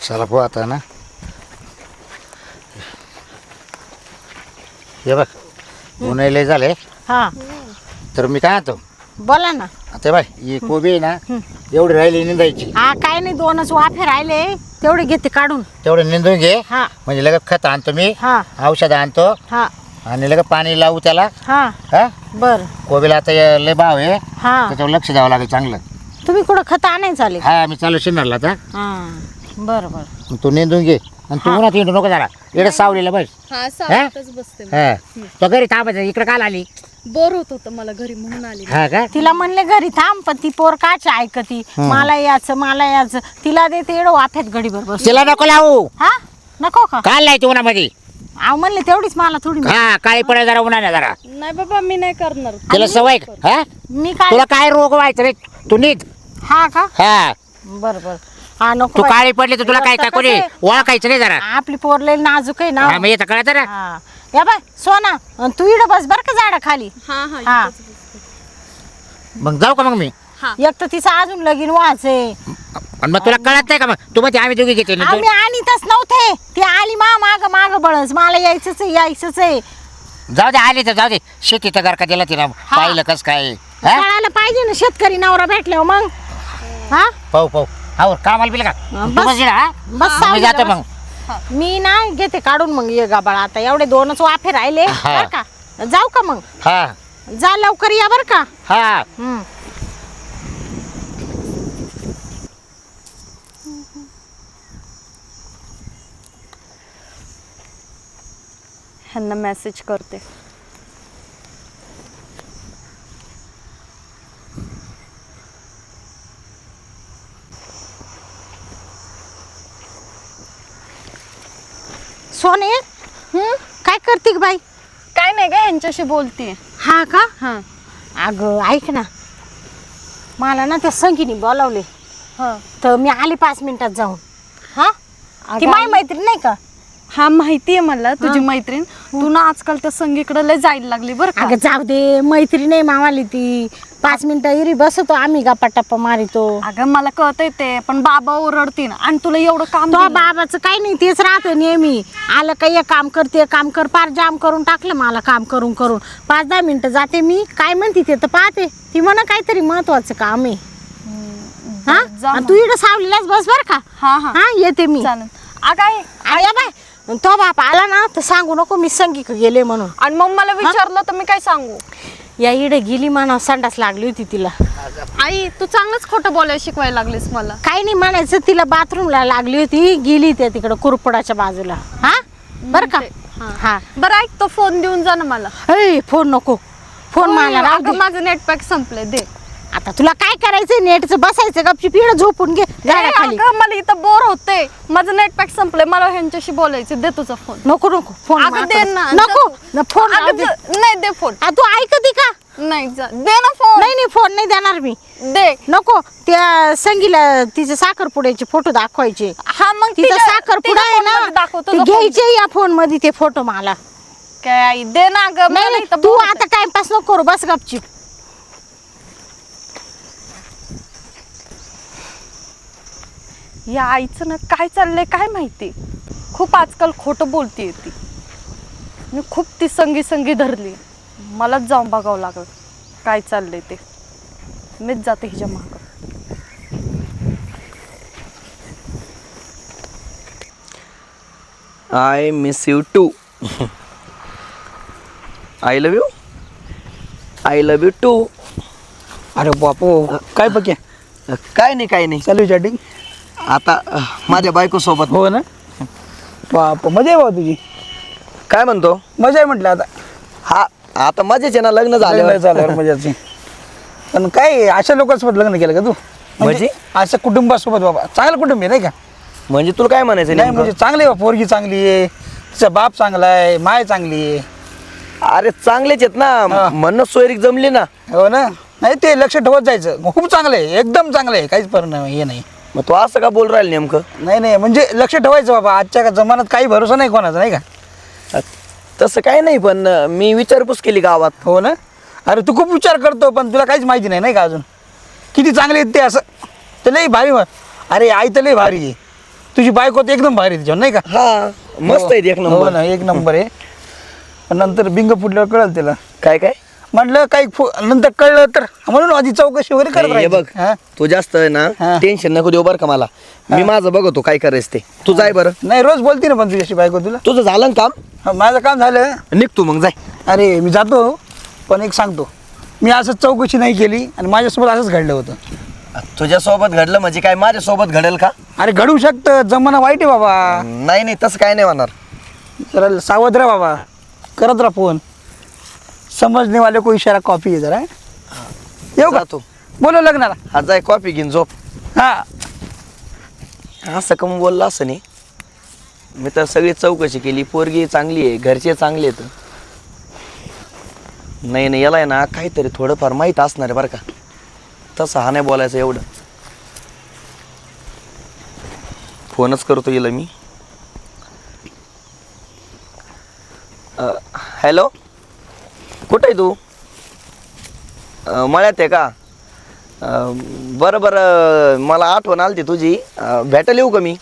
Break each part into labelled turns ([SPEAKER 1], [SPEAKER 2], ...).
[SPEAKER 1] चला पो आता ना हे बघ उन्हाळे झाले
[SPEAKER 2] हा
[SPEAKER 1] तर मी काय आणतो
[SPEAKER 2] बोला ना.
[SPEAKER 1] आता बाय ही कोबी आहे ना एवढी राहिली निंदायची
[SPEAKER 2] हा काय नाही 2च वाफे राहिले तेवढे घेते काढून.
[SPEAKER 1] तेवढे निंदून घे
[SPEAKER 2] हा
[SPEAKER 1] म्हणजे लगेच खत आणतो मी
[SPEAKER 2] हा
[SPEAKER 1] औषध आणतो
[SPEAKER 2] हा
[SPEAKER 1] आणि लगेच पाणी लावू त्याला
[SPEAKER 2] हा
[SPEAKER 1] हा
[SPEAKER 2] बर
[SPEAKER 1] कोबीला आता लय भाव आहे
[SPEAKER 2] हा
[SPEAKER 1] त्याच्यावर लक्ष द्यावं लागेल चांगलं.
[SPEAKER 2] तुम्ही कुठं खत आणायचं चालेल.
[SPEAKER 1] हा मी चालू शिनारला आता
[SPEAKER 2] हा बर बर
[SPEAKER 1] मग तू निंदून घे आणि तू उन्हात हिंडू नको जरा इकडे सावलीला बस.
[SPEAKER 3] हा सावलीतच बसते मी.
[SPEAKER 1] हा तो घरी थांबायचं इकडे काल आली
[SPEAKER 3] बोर होत होतं मला घरी म्हणून आली.
[SPEAKER 1] हा का
[SPEAKER 2] तिला म्हणले घरी थांब पण ती पोर काच ऐकती मला याचं तिला देते एवढं वाफ्यात गडीभर बस.
[SPEAKER 1] तिला नको लावू
[SPEAKER 2] हा नको का
[SPEAKER 1] काल नाही तू उन्हामध्ये
[SPEAKER 2] अहो म्हणले तेवढीच मला थोडी
[SPEAKER 1] हा काळी पडेल जरा उन्हाने जरा
[SPEAKER 3] नाही बाबा मी नाही करणार.
[SPEAKER 1] तिला सवय हा
[SPEAKER 2] मी काय
[SPEAKER 1] तुला काय रोग व्हायचं रे तू नीट
[SPEAKER 2] हा का
[SPEAKER 1] हा
[SPEAKER 2] बर बर हा नको
[SPEAKER 1] तू
[SPEAKER 2] बाई.
[SPEAKER 1] काळी पडली तर तुला काय
[SPEAKER 2] कसं
[SPEAKER 1] कोणी
[SPEAKER 2] आहे?
[SPEAKER 1] ओळखायचं नाही जरा
[SPEAKER 2] आपली पोर लई नाजूक आहे ना.
[SPEAKER 1] हा मग येतं कळत ना
[SPEAKER 2] हा या बाय सोना अन तू इकडं बस बर का झाडा खाली.
[SPEAKER 3] हा हा
[SPEAKER 2] हा.
[SPEAKER 3] इथंच बसते.
[SPEAKER 1] मग जाऊ का मग मी
[SPEAKER 3] हा
[SPEAKER 2] एक तर तिचं अजून लगीन व्हायचे.
[SPEAKER 1] आणि मग तुला कळत नाही का मग तू मध्ये आम्ही दोघी घेते ना
[SPEAKER 2] आम्ही आणीतच नव्हते ती आली माग बळस मला यायचंच आहे.
[SPEAKER 1] जाऊ दे आली तर जाऊ दे शेतीचं घर का दिला तिला पाहिलं कस काय हा
[SPEAKER 2] कळायला पाहिजे ना शेतकरी नवरा भेटल्यावर मग हा
[SPEAKER 1] पाहू पाहू हा कामाला बिल का
[SPEAKER 2] बस.
[SPEAKER 1] तू बस इकडं, हा
[SPEAKER 2] बस
[SPEAKER 1] मी
[SPEAKER 2] सावलीला
[SPEAKER 1] जातो
[SPEAKER 2] बस.
[SPEAKER 1] मग
[SPEAKER 2] मी ना घेते काढून मग ये गाबाळ आता एवढे 2च वाफे राहिले
[SPEAKER 1] हा.
[SPEAKER 2] बर का जाऊ का मग
[SPEAKER 1] हा
[SPEAKER 2] जा लवकर या बर का.
[SPEAKER 1] हा
[SPEAKER 3] ह्यांना मेसेज करते.
[SPEAKER 2] सोने काय करते ग बाई.
[SPEAKER 3] काय नाही का यांच्याशी बोलतीये.
[SPEAKER 2] हा का
[SPEAKER 3] हा
[SPEAKER 2] अगं ऐक ना मला ना त्या संगीने बोलावले
[SPEAKER 3] हा
[SPEAKER 2] तर मी आले 5 मिनिटात जाऊन. हा ती
[SPEAKER 3] अगं,
[SPEAKER 2] माझी मैत्रीण नाही का.
[SPEAKER 3] हा माहितीये मला तुझी मैत्रीण. तू ना आजकाल त्या संगीकडे लय जायला लागली बरं का.
[SPEAKER 2] अगं जाऊ दे मैत्रीण नाही मामाली ती 5 मिनिटं इरी बसतो आम्ही गप्पा टप्पा मारितो.
[SPEAKER 3] अगं मला कळतंय ते पण बाबा ओरडतील आणि तुला एवढं काम
[SPEAKER 2] तो
[SPEAKER 3] दिलंय.
[SPEAKER 2] बाबाचं काही नाही तेच राहतं नेहमी आलं काही एक काम करते काम कर पार जाम करून टाकलं मला काम करून 5-10 मिनिटं जाते मी काय म्हणते ते तर पाहते ती म्हणा काहीतरी महत्वाचं काम आहे. हा
[SPEAKER 3] जा
[SPEAKER 2] आणि तू इकडं सावलीलाच बस बर का.
[SPEAKER 3] हा हा
[SPEAKER 2] हा येते मी.
[SPEAKER 3] चालेल. अगं आई,
[SPEAKER 2] आया बाय तो बाप आला ना तर सांगू नको मी संगीक गेले म्हणून.
[SPEAKER 3] आणि मग मला विचारलं तर मी काय सांगू.
[SPEAKER 2] या इडे गेली म्हणा संडास लागली होती तिला.
[SPEAKER 3] आई तू चांगलंच खोटं बोलायला शिकवायला लागलीस मला.
[SPEAKER 2] काही नाही म्हणायचं तिला बाथरूमला लागली होती गेली त्या तिकडं कुरपडाच्या बाजूला. हा बर का. हा
[SPEAKER 3] बरं ऐक तो फोन देऊन जा ना मला.
[SPEAKER 2] ए फोन नको फोन मला राहू
[SPEAKER 3] अगं
[SPEAKER 2] दे.
[SPEAKER 3] माझं नेट पॅक संपलंय दे.
[SPEAKER 2] आता तुला काय करायचंय नेटचं बसायचं गपची पिढ झोपून घे झाडाखाली.
[SPEAKER 3] अगं मला इथं बोर होते माझं नेट पॅक संपलंय मला ह्यांच्याशी बोलायचं. दे तुझा फोन.
[SPEAKER 2] नको नको फोन
[SPEAKER 3] अगं दे ना.
[SPEAKER 2] नको न फोन राहू
[SPEAKER 3] अगं
[SPEAKER 2] दे.
[SPEAKER 3] नाही दे फोन.
[SPEAKER 2] आ, तू ऐकती का.
[SPEAKER 3] नाही दे ना फोन.
[SPEAKER 2] नाही फोन नाही देणार मी.
[SPEAKER 3] दे.
[SPEAKER 2] नको त्या संगीला तिचे साखरपुड्याचे फोटो दाखवायचे.
[SPEAKER 3] हा मग
[SPEAKER 2] तिचा साखरपुडा आहे ना
[SPEAKER 3] दाखवतो
[SPEAKER 2] ते घ्यायचे या फोन मध्ये ते फोटो मला.
[SPEAKER 3] काय आई दे ना गं.
[SPEAKER 2] नाही नाही, तू आता टाइमपास नको करू बस गपची.
[SPEAKER 3] या आईचं ना काय चाललंय काय माहिती. खूप आजकाल खोटं बोलतीये ती. मी खूप ती संगी धरली. मलाच जाऊन बघावं लागलं काय चाललंय ते. मीच जाते हिच्या मागं.
[SPEAKER 4] I miss you too. I love you. I love you too.
[SPEAKER 5] अरे बापू काय बघे
[SPEAKER 4] काय नाही
[SPEAKER 5] चालू चॅटिंग.
[SPEAKER 4] आता माझ्या बायको सोबत.
[SPEAKER 5] हो ना बाप मजा आहे भाऊ तुझी.
[SPEAKER 4] काय म्हणतो.
[SPEAKER 5] मजा आहे म्हटलं आता.
[SPEAKER 4] हा आता मजेच आहे ना लग्न
[SPEAKER 5] लग्न
[SPEAKER 4] झाल्यावर.
[SPEAKER 5] झाल्यावर मजाची. पण काय अशा लोकांसोबत लग्न केलं का तू.
[SPEAKER 4] म्हणजे?
[SPEAKER 5] अशा कुटुंबासोबत बाबा चांगलं कुटुंब आहे नाही का.
[SPEAKER 4] म्हणजे तुला काय म्हणायचं
[SPEAKER 5] नाही
[SPEAKER 4] नेमकं?
[SPEAKER 5] म्हणजे चांगली आहे पोरगी चांगली आहे तिचा बाप चांगला आहे माय चांगली आहे.
[SPEAKER 4] अरे चांगलेच आहेत
[SPEAKER 5] हा.
[SPEAKER 4] ना म्हणून सोयरीक जमली ना.
[SPEAKER 5] हो ना नाही ते लक्ष ठेवत जायचं खूप चांगलं आहे एकदम चांगलं आहे काहीच परिणाम हे नाही.
[SPEAKER 4] मग तू असं का बोल राहील नेमकं.
[SPEAKER 5] नाही म्हणजे लक्ष ठेवायचं बाबा आजच्या जमान्यात काही भरोसा नाही कोणाचा नाही का.
[SPEAKER 4] तसं काय नाही पण मी विचारपूस केली गावात.
[SPEAKER 5] हो ना अरे तू खूप विचार करतो पण तुला काहीच माहिती नाही का अजून किती चांगले आहेत ते असं. ते लई भारी अरे आई तर लई भारी आहे तुझी बायको तर एकदम भारी तिच्यावर नाही का?
[SPEAKER 4] हा मस्त आहे एक
[SPEAKER 5] हो
[SPEAKER 4] नंबर.
[SPEAKER 5] ना, एक नंबर आहे. पण नंतर बिंग फुटल्यावर कळलं तिला.
[SPEAKER 4] काय काय
[SPEAKER 5] म्हटलं काही नंतर कळलं तर म्हणून आधी चौकशी वगैरे करत
[SPEAKER 4] हे
[SPEAKER 5] राहायची.
[SPEAKER 4] बघ
[SPEAKER 5] हा?
[SPEAKER 4] तू जास्त आहे ना
[SPEAKER 5] हा.
[SPEAKER 4] टेन्शन नको देऊ बरं का मला. मी माझं बघतो काय करायचं ते. तू जाय बरं.
[SPEAKER 5] नाही रोज बोलते ना पण तुझ्याशी बायको तुला.
[SPEAKER 4] तुझं झालं ना काम
[SPEAKER 5] हा, माझं काम झालं.
[SPEAKER 4] निघ तू मग जाय.
[SPEAKER 5] अरे मी जातो पण एक सांगतो, मी असं चौकशी नाही केली आणि माझ्यासोबत असंच घडलं होतं.
[SPEAKER 4] तुझ्यासोबत घडलं म्हणजे काय माझ्यासोबत घडेल का?
[SPEAKER 5] अरे घडू शकतं, जमाना वाईट आहे बाबा.
[SPEAKER 4] नाही नाही तसं काय नाही होणार.
[SPEAKER 5] जरा सावध राहा बाबा, करत राहा फोन. समजने वाले को इशारा कॉपी आहे जरा. येऊ का?
[SPEAKER 4] जातो.
[SPEAKER 5] बोलो लग्नाला.
[SPEAKER 4] हा जाय कॉफी घेऊन झोप.
[SPEAKER 5] हा
[SPEAKER 4] असं कम बोलला असं नाही. मी तर सगळी चौकशी केली, पोरगी चांगली आहे, घरचे चांगले आहेत. नाही नाही याला आहे ना काहीतरी थोडंफार माहीत असणार आहे बरं का. तसं हा नाही बोलायचं एवढं. फोनच करतो येईल मी. हॅलो कुठं आहे तू? मळ्यात आहे का? बरं बरं मला आठवण आली तुझी. भेटायला येऊ का मी?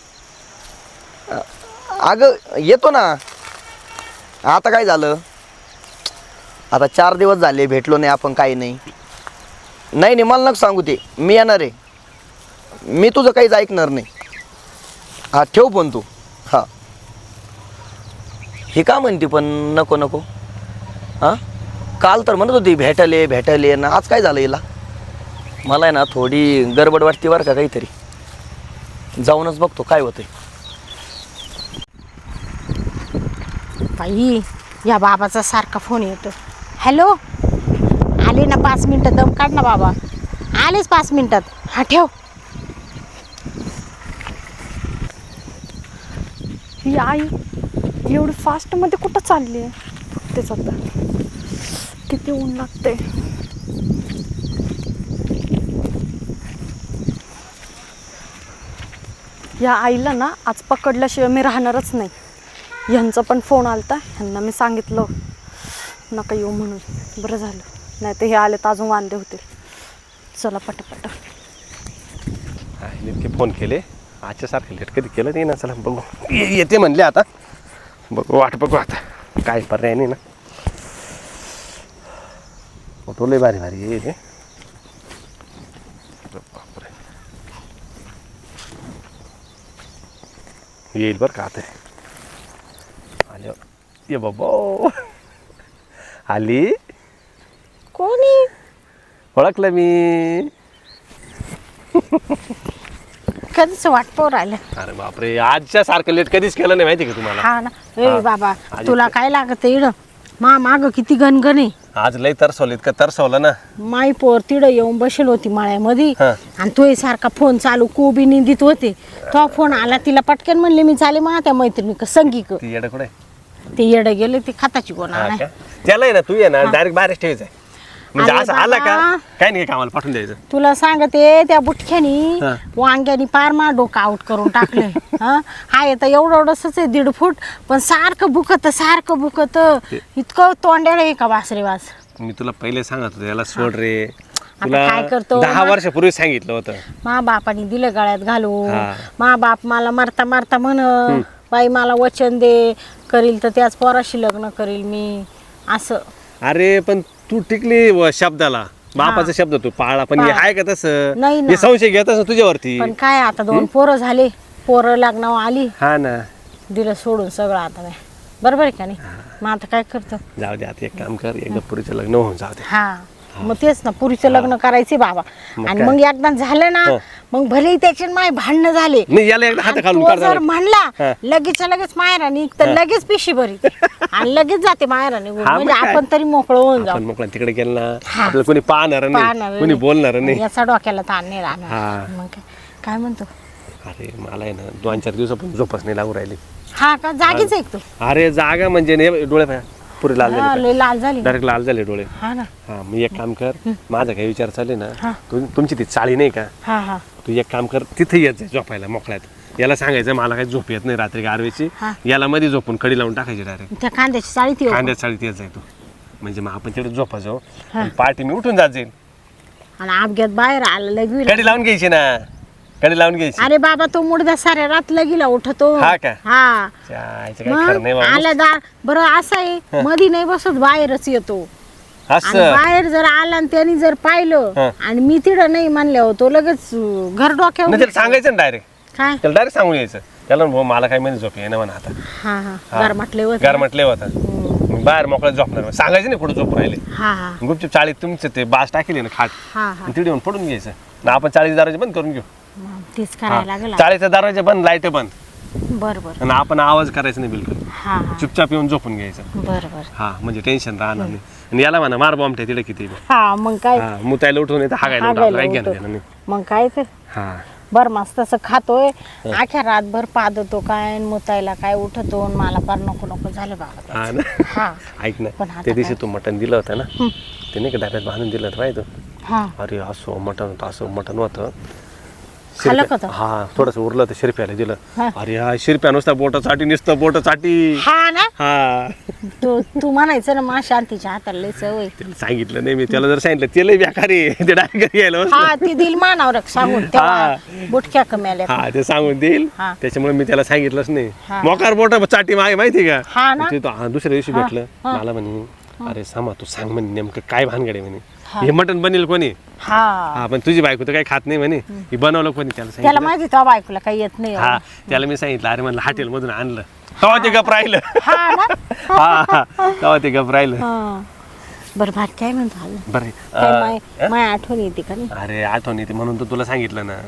[SPEAKER 4] अगं येतो ना. आता काय झालं? आता 4 दिवस झाले भेटलो नाही आपण, काही नाही. नाही नाही मला नको सांगू ते. मी येणार आहे. मी तुझं काहीच ऐकणार नाही. हा ठेव पण तू. हा हे का म्हणते पण नको नको. हां काल तर म्हणत होती भेटायले ना. आज काय झालं हिला? मला आहे ना थोडी गडबड वाटते बरं का काहीतरी. जाऊनच बघतो काय होतंय.
[SPEAKER 2] बाई या बाबाचा सारखा फोन येतो. हॅलो, आले ना 5 मिनटं, दम काढ ना बाबा. आलेच 5 मिनटात. हा ठेव.
[SPEAKER 3] ही आई एवढी फास्टमध्ये कुठं चालली आहे? तेच आता किती ऊन लागते. या आईला ना आज पकडल्याशिवाय मी राहणारच नाही. ह्यांचा पण फोन आलता, ह्यांना मी सांगितलं नका येऊ म्हणून. बरं झालं, नाही तर हे आले तर अजून वांदे होतील. चला पटापट.
[SPEAKER 6] इतके फोन केले आजच्यासारखे लेट कधी केलं नाही ना. चला बघू येते म्हणले आता. बघू वाट बघू आता काय पर्याय नाही ना. फोटो लय भारी भारी येईल. बापरे येईल बरं का आता. आले ये बाबा. आली.
[SPEAKER 2] कोणी?
[SPEAKER 6] ओळखलं मी.
[SPEAKER 2] कधीच वाट पाहू राहिलं.
[SPEAKER 6] अरे बापरे आजच्या सारखं लेट कधीच केलं नाही माहिती का तुम्हाला.
[SPEAKER 2] हा ना. ए
[SPEAKER 6] हा.
[SPEAKER 2] बाबा
[SPEAKER 6] आधी
[SPEAKER 2] तुला काय लागत इड? माग किती गणगण आहे.
[SPEAKER 6] आज लय तरसवलं इतकं तरसवलं ना.
[SPEAKER 2] माई पोर तिडं येऊन बसेल होती माळ्यामध्ये
[SPEAKER 6] हा.
[SPEAKER 2] आणि तो सारखा फोन चालू कोबी निंदित होते. तो फोन आला, तिला पटकन म्हणले मी चाले मग त्या मैत्रिणी संगीक.
[SPEAKER 6] ती येडं कुठे
[SPEAKER 2] ते येड गेले, ते खताची कोण
[SPEAKER 6] हा
[SPEAKER 2] आणाय.
[SPEAKER 6] का? त्याला आहे ना तू ये ना डायरेक्ट बाहेरच ठेवायचं आहे. म्हणजे
[SPEAKER 2] अरे
[SPEAKER 6] असं आला का
[SPEAKER 2] बाबा.
[SPEAKER 6] काय नाही कामाला पाठवून द्यायचं.
[SPEAKER 2] तुला सांगते त्या बुटख्यानी
[SPEAKER 6] हा.
[SPEAKER 2] वांग्यानी पार मा डोकं आउट करून टाकलंय. हा येतं एवढं एवढंच आहे 1.5 फूट, पण सारखं बुकत इतकं तोंड्याला आहे का वासरे वास.
[SPEAKER 6] मी तुला पहिले सांगत होतो याला सोड रे.
[SPEAKER 2] आता
[SPEAKER 6] तुला
[SPEAKER 2] काय करतो?
[SPEAKER 6] 10 वर्षापूर्वी सांगितलं होतं.
[SPEAKER 2] मा बापाने दिलं गळ्यात घालून.
[SPEAKER 6] हा.
[SPEAKER 2] मा बाप मला मारता म्हण बाई मला वचन दे, करील तर त्याच पोराशी लग्न करील मी असं.
[SPEAKER 6] अरे पण तू टिकली शब्दाला. बापाचा शब्द तू पाळला, पण हे
[SPEAKER 2] पाळला.
[SPEAKER 6] आहे का तसं?
[SPEAKER 2] नाही ना.
[SPEAKER 6] हे संशय घेतच ना तुझ्यावरती.
[SPEAKER 2] पण काय आता 2 पोरं झाले, पोरं लग्नावर आली,
[SPEAKER 6] हा ना.
[SPEAKER 2] दिलं सोडून सगळं आता नाही. बरोबर आहे का नाही? मग आता काय करतो?
[SPEAKER 6] जाऊ दे आता एक काम कर, एकदा पुरीचं लग्न होऊन जाऊ दे.
[SPEAKER 2] हा मग तेच ना, पुरीचं लग्न करायचे बाबा.
[SPEAKER 6] मग
[SPEAKER 2] आणि
[SPEAKER 6] काय?
[SPEAKER 2] मग एकदा झालं ना, मग भले त्याचे माय भांडणं झाले.
[SPEAKER 6] नाही याला एकदा हात
[SPEAKER 2] आणि
[SPEAKER 6] घालून
[SPEAKER 2] तो
[SPEAKER 6] काढ
[SPEAKER 2] जर
[SPEAKER 6] जरा.
[SPEAKER 2] म्हणला
[SPEAKER 6] हा.
[SPEAKER 2] लगेच मायरा निघ, तर लगेच पिशी भरी आणि लगेच जाते मायरा निघून.
[SPEAKER 6] हा, मग
[SPEAKER 2] म्हणजे
[SPEAKER 6] काय?
[SPEAKER 2] आपण तरी मोकळं होऊन जाऊ.
[SPEAKER 6] आपण मोकळा तिकडे गेलं ना,
[SPEAKER 2] हा.
[SPEAKER 6] आपल्याला कोणी पाहणार
[SPEAKER 2] पाहणार
[SPEAKER 6] नाही, कोणी
[SPEAKER 2] नाही.
[SPEAKER 6] बोलणार नाही.
[SPEAKER 2] याचा डोक्याला ताण नाही राहणार.
[SPEAKER 6] हा.
[SPEAKER 2] मग काय म्हणतो?
[SPEAKER 6] अरे मला आहे ना 2-4 दिवसापासून झोपच नाही लागू राहिली.
[SPEAKER 2] हा का? जागीच आहे का तू?
[SPEAKER 6] अरे जागा म्हणजे नाही, डोळे पाय पुरे लाल
[SPEAKER 2] हा,
[SPEAKER 6] झाले,
[SPEAKER 2] लय लाल झाली.
[SPEAKER 6] डायरेक्ट लाल झाले डोळे.
[SPEAKER 2] हा ना.
[SPEAKER 6] हा मग एक काम कर, माझा काही विचार चालले ना,
[SPEAKER 2] हा.
[SPEAKER 6] तुमची ती चाळी नाही का,
[SPEAKER 2] हा
[SPEAKER 6] तू एक काम कर तिथे येत जाय झोपायला मोकळ्यात. याला सांगायचं मला काही झोप येत नाही रात्री गारवेची,
[SPEAKER 2] हा.
[SPEAKER 6] याला मध्ये झोपून कडी लावून टाकायची डायरेक्ट.
[SPEAKER 2] त्या कांद्याची चाळीत येऊ.
[SPEAKER 6] कांद्यात चाळीत येत जाय तू, म्हणजे मग आपण तिकडे झोपा जाऊ. पार्टी मी उठून जात जाईल.
[SPEAKER 2] आणि अपघात बाहेर आलं लगवी.
[SPEAKER 6] कडी लावून घ्यायची ना. कडे लावून घ्यायची.
[SPEAKER 2] अरे बाबा तो मुडदा साऱ्या रात लगीला उठतो.
[SPEAKER 6] हा का?
[SPEAKER 2] हा
[SPEAKER 6] जायचं काय खरं नाही
[SPEAKER 2] मग
[SPEAKER 6] बाबा.
[SPEAKER 2] आला दार बरं असं आहे मधी नाही बसत बाहेरच येतो. आणि
[SPEAKER 6] असं
[SPEAKER 2] बाहेर जर आला आणि त्यांनी जर पाहिलं
[SPEAKER 6] हा.
[SPEAKER 2] आणि मी तिथं नाही म्हणले होतो लगेच घर डोक्यावर
[SPEAKER 6] नाही त्याला सांगायचं ना डायरेक्ट.
[SPEAKER 2] काय
[SPEAKER 6] त्याला डायरेक्ट सांगून यायचं त्याला भाऊ मला काय मध्ये झोप येणं म्हणा आता.
[SPEAKER 2] हा हा
[SPEAKER 6] हा.
[SPEAKER 2] घर म्हटले होते
[SPEAKER 6] गार म्हटले होता मी बाहेर मोकळ्यात झोपणार सांगायचं नाही कुठं झोप राहिले.
[SPEAKER 2] हा हा
[SPEAKER 6] गुपचूप चाळीत तुमचं ते बास टाकेली ना खाट
[SPEAKER 2] हा हा
[SPEAKER 6] तिथे येऊन पडून घ्यायचं ना आपण 40 दरवाजे बंद करून घेऊ.
[SPEAKER 2] मग तेच करायला लागेल
[SPEAKER 6] 40 दरवाजे बंद लाईट बंद
[SPEAKER 2] बर बर
[SPEAKER 6] आणि आपण आवाज करायचा नाही बिलकुल.
[SPEAKER 2] हा हा
[SPEAKER 6] चुपचाप येऊन झोपून घ्यायचं.
[SPEAKER 2] बर बर
[SPEAKER 6] हा म्हणजे टेन्शन राहणार नाही. आणि याला म्हणा मार बॉम्ब तिथे किती बी.
[SPEAKER 2] हा मग काय
[SPEAKER 6] हा मुतायला उठून येतं हागायला उठून
[SPEAKER 2] हागायला
[SPEAKER 6] आपलं काही घेणं
[SPEAKER 2] उठून.
[SPEAKER 6] देणं नाही.
[SPEAKER 2] मग काय तर
[SPEAKER 6] हा
[SPEAKER 2] बर मस्त असं खातोय आख्या रातभर पादतो काय आणि मुतायला काय उठतो आणि मला फार नको नको झालं बाबा
[SPEAKER 6] हा ना
[SPEAKER 2] हा
[SPEAKER 6] ऐक
[SPEAKER 2] पण
[SPEAKER 6] ना
[SPEAKER 2] आता
[SPEAKER 6] त्या दिवशी
[SPEAKER 2] काय?
[SPEAKER 6] तू मटण दिलं होतं ना ते नाही का डब्यात बांधून दिलं होतं माहिती
[SPEAKER 2] हा
[SPEAKER 6] अरे असं मटण होतं असं मटण होतं.
[SPEAKER 2] खाल्लं का तो?
[SPEAKER 6] हा थोडस उरलं तर शिरप्याला दिलं.
[SPEAKER 2] हा.
[SPEAKER 6] अरे हा शिरप्या नुसता बोट चाटी नुसतं बोट चाटी.
[SPEAKER 2] हा ना
[SPEAKER 6] हा
[SPEAKER 2] तू म्हणायचं ना मा शांतीच्या हाताला लय सवय
[SPEAKER 6] त्याला सांगितलं नाही मी त्याला जर सांगितलं ते लय बेकारी आहे. ते डायरेक्ट घरी यायला
[SPEAKER 2] हा ती दिल मानावर सांगून तेव्हा बुटक्या कमी आल्या
[SPEAKER 6] हा ते सांगून देईल
[SPEAKER 2] हा.
[SPEAKER 6] त्याच्यामुळे मी त्याला सांगितलंच नाही.
[SPEAKER 2] हा.
[SPEAKER 6] मोकार बोट चाटी मागे माहिती का
[SPEAKER 2] हा ना
[SPEAKER 6] ते तो दुसऱ्या दिवशी भेटलं मला म्हणे अरे सामा तू सांग म्हणे नेमकं काय भानगड आहे म्हणे हे मटण बनेल कोणी.
[SPEAKER 2] हा
[SPEAKER 6] हा पण तुझी बायको तर काही खात नाही म्हणे ही बनवलं कोणी त्याला
[SPEAKER 2] त्याला
[SPEAKER 6] सांगितलं.
[SPEAKER 2] माहिती तो बायकोला काही येत नाही
[SPEAKER 6] हा त्याला मी सांगितलं अरे म्हणलं हॉटेल मधून आणलं तेव्हा ते गप राहिलं.
[SPEAKER 2] हा ना
[SPEAKER 6] हा हा तेव्हा ते गप राहिलं.
[SPEAKER 2] हा बरं भात काय म्हणतो आलं
[SPEAKER 6] बरं
[SPEAKER 2] काय माय आठवण येते का नाही
[SPEAKER 6] अरे आठवण येते म्हणून तर तुला सांगितलं ना.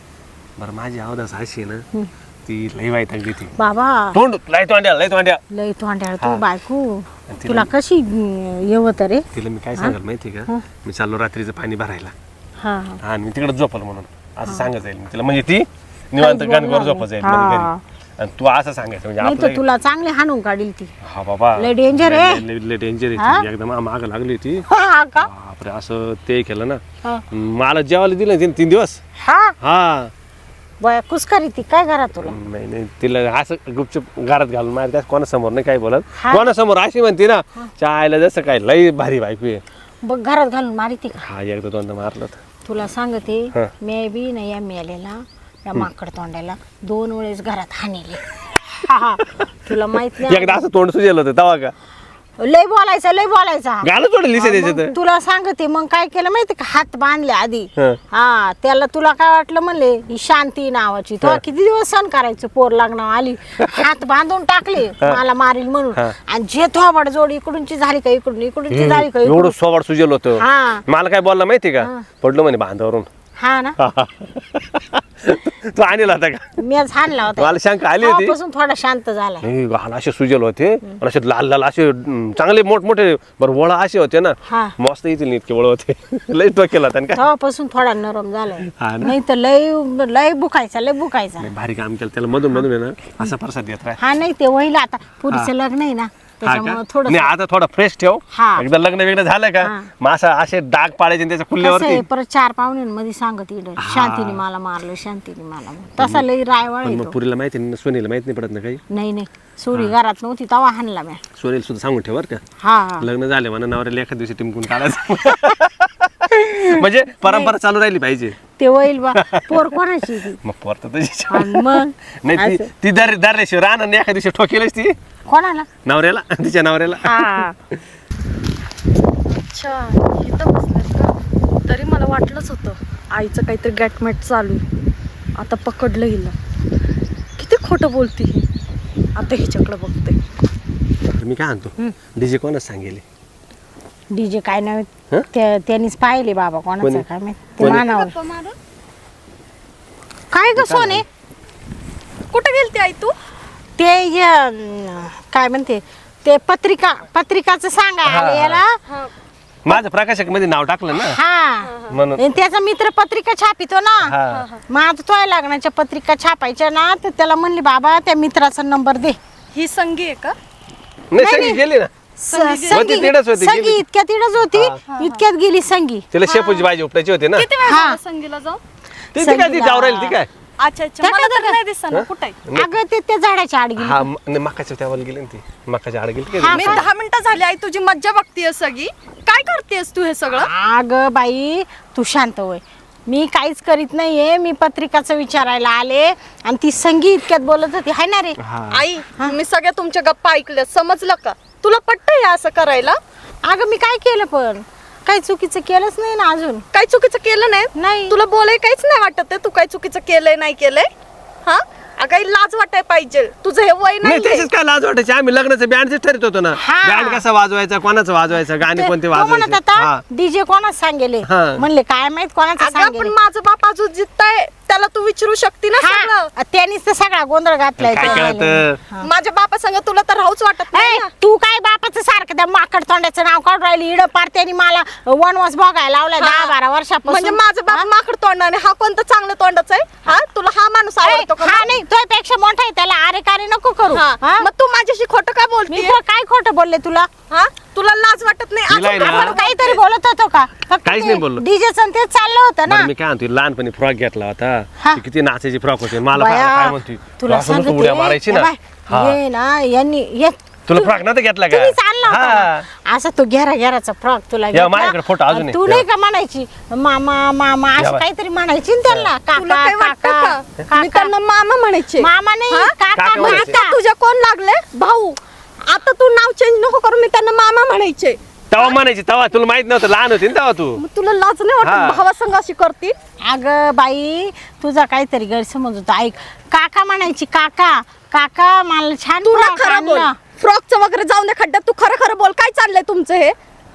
[SPEAKER 6] बरं माझी अवदास अशी आहे ना ती लई वाईट ती
[SPEAKER 2] बाबा
[SPEAKER 6] तोंड लय तोंड्या
[SPEAKER 2] लय तोंड्याळ तू बायको तुला कशी येवत रे
[SPEAKER 6] तिला मी काय सांगाल माहिती का मी चाललो रात्रीचं पाणी भरायला
[SPEAKER 2] हा
[SPEAKER 6] हा आणि मी तिकडे झोपल म्हणून असं सांगत जाईल मी तिला म्हणजे ती निवांत गणगोर झोपत जाईल म्हणजे घरी. आणि तू असं सांगायचं म्हणजे
[SPEAKER 2] नाही तर
[SPEAKER 6] आपलं
[SPEAKER 2] तुला चांगले हाणून काढील ती
[SPEAKER 6] हा बाबा
[SPEAKER 2] लय डेंजर आहे.
[SPEAKER 6] लय डेंजर आहे ती. एकदम माग लागली होती
[SPEAKER 2] हा का
[SPEAKER 6] बापरे असं ते केलं ना
[SPEAKER 2] हा.
[SPEAKER 6] मला जेवायला दिलं तिने 3 दिवस.
[SPEAKER 2] हा
[SPEAKER 6] हा
[SPEAKER 2] बया कुसकारी ती काय घरात तुला
[SPEAKER 6] नाही नाही तिला असं गुपचूप घरात घालून मार त्या कोणासमोर नाही काय बोलत
[SPEAKER 2] हा.
[SPEAKER 6] कोणासमोर अशी म्हणते ना चायला जसं काय लई भारी बायको आहे.
[SPEAKER 2] बघ घरात घालून मारिती का
[SPEAKER 6] हा एकदा दोनदा मारलं होतं.
[SPEAKER 2] तुला सांगते
[SPEAKER 6] हा.
[SPEAKER 2] मी बी नाही या मेलेला या माकड तोंडाला 2 वेळेस घरात हाणले. हा, हा. तुला माहित नाही
[SPEAKER 6] एकदा असं तोंड सुजेल होतं तेव्हा का
[SPEAKER 2] लय बोलायचा
[SPEAKER 6] गाणं थोडं लिसे
[SPEAKER 2] मग
[SPEAKER 6] त्याच्यात.
[SPEAKER 2] तुला सांगते मग काय केलं माहिती का हात बांधले आधी
[SPEAKER 6] हा.
[SPEAKER 2] हा त्याला तुला काय वाटलं म्हणले ही शांती नावाची तो किती दिवस सण करायचं पोर लग्नावर आली हात बांधून टाकले मला मारील म्हणून
[SPEAKER 6] हा.
[SPEAKER 2] आणि जे थोबड जोड इकडूनची झाली का इकडूनची झाली का
[SPEAKER 6] एवढं सोवाड सुजेल होतं
[SPEAKER 2] हा
[SPEAKER 6] मला काय बोलला माहिती का पडलो म्हणे बांधावरून.
[SPEAKER 2] हा ना
[SPEAKER 6] तू आणला होता का
[SPEAKER 2] मी हाणला होता
[SPEAKER 6] मला शंका आली होती.
[SPEAKER 2] तेव्हापासून थोडा शांत झाला
[SPEAKER 6] नाही घाल असे सुजेल होते आणि असे लाल लाल असे चांगले मोठमोठे बरं वळा असे होते ना
[SPEAKER 2] हा
[SPEAKER 6] मस्त येतील इतके वळ होते लई टोकेला होता ना काय
[SPEAKER 2] तेव्हापासून थोडा नरम झालाय
[SPEAKER 6] हा ना.
[SPEAKER 2] नाही तर लय लय बुकायचा
[SPEAKER 6] नाही, भारी काम केलं त्याला मधून मधून आहे ना असा प्रसाद देत राह.
[SPEAKER 2] हा नाही ते वहिला आता पुरीचं लग्न आहे ना
[SPEAKER 6] हा का?
[SPEAKER 2] त्याच्यामुळे थोडं
[SPEAKER 6] नाही आता थोडं फ्रेश ठेव
[SPEAKER 2] हा.
[SPEAKER 6] एकदा लग्न वेगळं झालं का
[SPEAKER 2] हा.
[SPEAKER 6] मग असं असे डाग पाडायचे आणि त्याच्या
[SPEAKER 2] कसं
[SPEAKER 6] कुल्ल्यावरती
[SPEAKER 2] आहे परत 4 पाहुण्यांमध्ये सांगत इकडे शांतीने मला मारलं शांतीने मला मारलं. तसा लय रायवाळ
[SPEAKER 6] पण मग
[SPEAKER 2] येतो
[SPEAKER 6] पुरीला माहिती नाही सोनीला माहित नाही पडत ना काही.
[SPEAKER 2] नाही नाही सोडी घरात नव्हती तवा हाणला म्या
[SPEAKER 6] सोनीला सुद्धा सांगून ठेव बरं का
[SPEAKER 2] हा हा
[SPEAKER 6] लग्न झाले म्हणा नवऱ्याला एखाद दिवशी टिमकून काढायचं म्हणजे परंपरा चालू राहिली पाहिजे.
[SPEAKER 2] ते होईल बा पोर कोणाची ती
[SPEAKER 6] मग पोर तर तुझी.
[SPEAKER 2] आणि मग
[SPEAKER 6] नाही ती दरल्याशिवाय राहणार आणि एखाद दिवशी ठोकेलच ती
[SPEAKER 2] कोणाला
[SPEAKER 6] नवऱ्याला तिच्या नवऱ्याला.
[SPEAKER 2] हा
[SPEAKER 3] अच्छा इथं बसलेत का तरी मला वाटलंच होतं आईचं काहीतरी गॅटमॅट चालू आहे. आता पकडलं हिला किती खोटं बोलती ही आता हिच्याकडे बघते.
[SPEAKER 6] मी काय म्हणतो डीजे कोणाच सांगेल
[SPEAKER 2] डीजे काय
[SPEAKER 6] हं?
[SPEAKER 2] नाही त्यांनीच पाहिले बाबा कोणाचं
[SPEAKER 6] कोणी?
[SPEAKER 2] काय माहित ते
[SPEAKER 6] कोणी?
[SPEAKER 2] मानावर काय ग सोने
[SPEAKER 3] कुठे गेलती आई तू
[SPEAKER 2] ते काय म्हणते ते पत्रिकाचं सांगा आले याला
[SPEAKER 6] माझं प्रकाशक मध्ये नाव टाकलं ना
[SPEAKER 2] हा
[SPEAKER 6] म्हणून
[SPEAKER 2] आणि त्याचा मित्र पत्रिका छापितो ना
[SPEAKER 6] हा.
[SPEAKER 2] मग आता तो लग्नाच्या पत्रिका छापायच्या ना तर त्याला म्हणले बाबा त्या मित्राचा नंबर दे
[SPEAKER 3] ही संगी आहे का
[SPEAKER 6] नाही सगळी गेली ना होती तिकडंच होती,
[SPEAKER 2] संगी
[SPEAKER 6] गेली.
[SPEAKER 2] इतक्यात तिकडच होती इतक्यात गेली संगी
[SPEAKER 6] तिला शेपूची भाजी उपटायची होती ना
[SPEAKER 3] किती वेळ
[SPEAKER 2] हा.
[SPEAKER 3] झाला संगीला जाऊ
[SPEAKER 6] ती काय ती जाऊ राहिली ती काय
[SPEAKER 3] अच्छा अच्छा मला तर नाही दिसना कुठे
[SPEAKER 2] अगं ते त्या झाडाच्या आड गेली
[SPEAKER 6] हा नाही मकाच्या त्यावर गेली ना ती मकाच्या आड गेली काय
[SPEAKER 3] मी 10 मिनिटं झाली आई तुझी मज्जा बघतीये सगळी काय करतेस तू हे सगळं
[SPEAKER 2] अगं बाई तू शांत होय मी काहीच करीत नाहीये. मी पत्रिकाचं विचारायला आले आणि ती संगी इतक्यात बोलत होती हाय ना रे.
[SPEAKER 3] आई मी सगळ्या तुमच्या गप्पा ऐकल्या, समजलं का? तुला पटतंय असं करायला?
[SPEAKER 2] अगं मी काय केलं पण काही चुकीचं केलंच नाही ना अजून.
[SPEAKER 3] काही चुकीचं केलं नाही?
[SPEAKER 2] नाही.
[SPEAKER 3] तुला बोलाय काहीच नाही वाटत आहे? तू काही चुकीचं केलंय नाही केलंय? हा अगं लाज वाटाय पाहिजे. तुझं हे वय
[SPEAKER 6] नाही
[SPEAKER 3] नाही.
[SPEAKER 6] त्याच्याच काय लाज वाटायची. आम्ही लग्नाचं बँडच ठरत होतो ना.
[SPEAKER 2] हा.
[SPEAKER 6] बँड कसा वाजवायचा, कोणाचं वाजवायचं, गाणे कोणते
[SPEAKER 2] तो म्हणत
[SPEAKER 6] वाजवायचे.
[SPEAKER 2] होता
[SPEAKER 6] हा.
[SPEAKER 2] डीजे कोणाच सांगेले.
[SPEAKER 6] हा.
[SPEAKER 2] म्हणले काय माहित कोणाचं
[SPEAKER 3] अगं
[SPEAKER 2] सांगेले.
[SPEAKER 3] पण माझं बाप अजून जितताय त्याला तू विचारू शकते ना सगळं.
[SPEAKER 2] हा, त्यांनीच तर सगळा गोंधळ घातलाय.
[SPEAKER 6] काय
[SPEAKER 2] तो.
[SPEAKER 6] कळतं?
[SPEAKER 3] माझ्या बापा संग तुला तर राहूच वाटत नाही
[SPEAKER 2] ए,
[SPEAKER 3] ना.
[SPEAKER 2] तू काय बापाचं सारखं त्या माकड तोंडाचं नाव काढून राहिली. इड पार त्यांनी मला वनवास बघायला लावलाय
[SPEAKER 3] हा.
[SPEAKER 2] 10-12 वर्षापासून.
[SPEAKER 3] म्हणजे माझं बाप माकड तोंडाने, हा कोणतं चांगलं तोंडाचं आहे? हा तुला हा माणूस आवडतो का?
[SPEAKER 2] हा नाही तुझ्यापेक्षा मोठा आहे, त्याला अरे कार्य नको करू.
[SPEAKER 3] हा.
[SPEAKER 2] हा?
[SPEAKER 3] मग तू माझ्याशी खोटं का
[SPEAKER 2] मी
[SPEAKER 3] बोलते?
[SPEAKER 2] तर काय खोटं बोलले तुला?
[SPEAKER 3] हा तुला लाज वाटत नाही?
[SPEAKER 6] तिला आहे
[SPEAKER 3] अजून
[SPEAKER 6] ना.
[SPEAKER 2] आपण काहीतरी बोलत होतो का?
[SPEAKER 6] काहीच नाही बोललो.
[SPEAKER 2] डीजेचं तेच चाललं होतं ना.
[SPEAKER 6] बरं मी काय म्हणतो, लहानपणी फ्रॉक घेतला होता.
[SPEAKER 2] हा.
[SPEAKER 6] ती किती नाचायची फ्रॉक होती. मला
[SPEAKER 2] बाया,
[SPEAKER 6] काय म्हणते,
[SPEAKER 2] तुला
[SPEAKER 6] असं नुसतं
[SPEAKER 2] सांगते,
[SPEAKER 6] उड्या मारायची ना.
[SPEAKER 2] ए बाय,
[SPEAKER 6] हा.
[SPEAKER 2] ये ना यांनी ये
[SPEAKER 6] तुला फ्रॉक नव्हता घेतला का?
[SPEAKER 2] तुम्हीच आणला होता
[SPEAKER 6] हा.
[SPEAKER 2] ना. असा तो घेराचा फ्रॉक तुला घेतला.
[SPEAKER 6] माझ्याकडे फोटो अजून आहे.
[SPEAKER 2] तू नाही का म्हणायची मामा मामा
[SPEAKER 6] या
[SPEAKER 2] असं
[SPEAKER 6] बाय.
[SPEAKER 2] काहीतरी म्हणायची ना त्यांना.
[SPEAKER 3] तुला काय
[SPEAKER 2] काका
[SPEAKER 3] वाटतं
[SPEAKER 2] काका
[SPEAKER 3] का? मी त्यांना मामा म्हणायचे.
[SPEAKER 2] मामा नाही
[SPEAKER 3] हा?
[SPEAKER 2] काका
[SPEAKER 6] काका
[SPEAKER 3] मग
[SPEAKER 6] म्हणायचे.
[SPEAKER 3] आता तुझ्या कोण लागले? भाऊ. आता तू नाव चेंज नको करू. मी त्यांना मामा म्हणायचे.
[SPEAKER 6] तेव्हा म्हणायची, तेव्हा तुला माहित नव्हतं, लहान होती ना तेव्हा तू.
[SPEAKER 3] मग तुला लाज नाही
[SPEAKER 6] हा.
[SPEAKER 3] वाटत भावासंग अशी करती?
[SPEAKER 2] अगं बाई तुझा काहीतरी गैरसमज होता. ऐक काका म्हणायची काका काका मला छान
[SPEAKER 3] तू ना
[SPEAKER 2] फ्रॉक
[SPEAKER 3] खरं बोल.
[SPEAKER 2] आणला.
[SPEAKER 3] फ्रॉकचं वगैरे जाऊन दे खड्ड्यात. तू खरं खरं बोल. काय चाललंय तुमचं हे?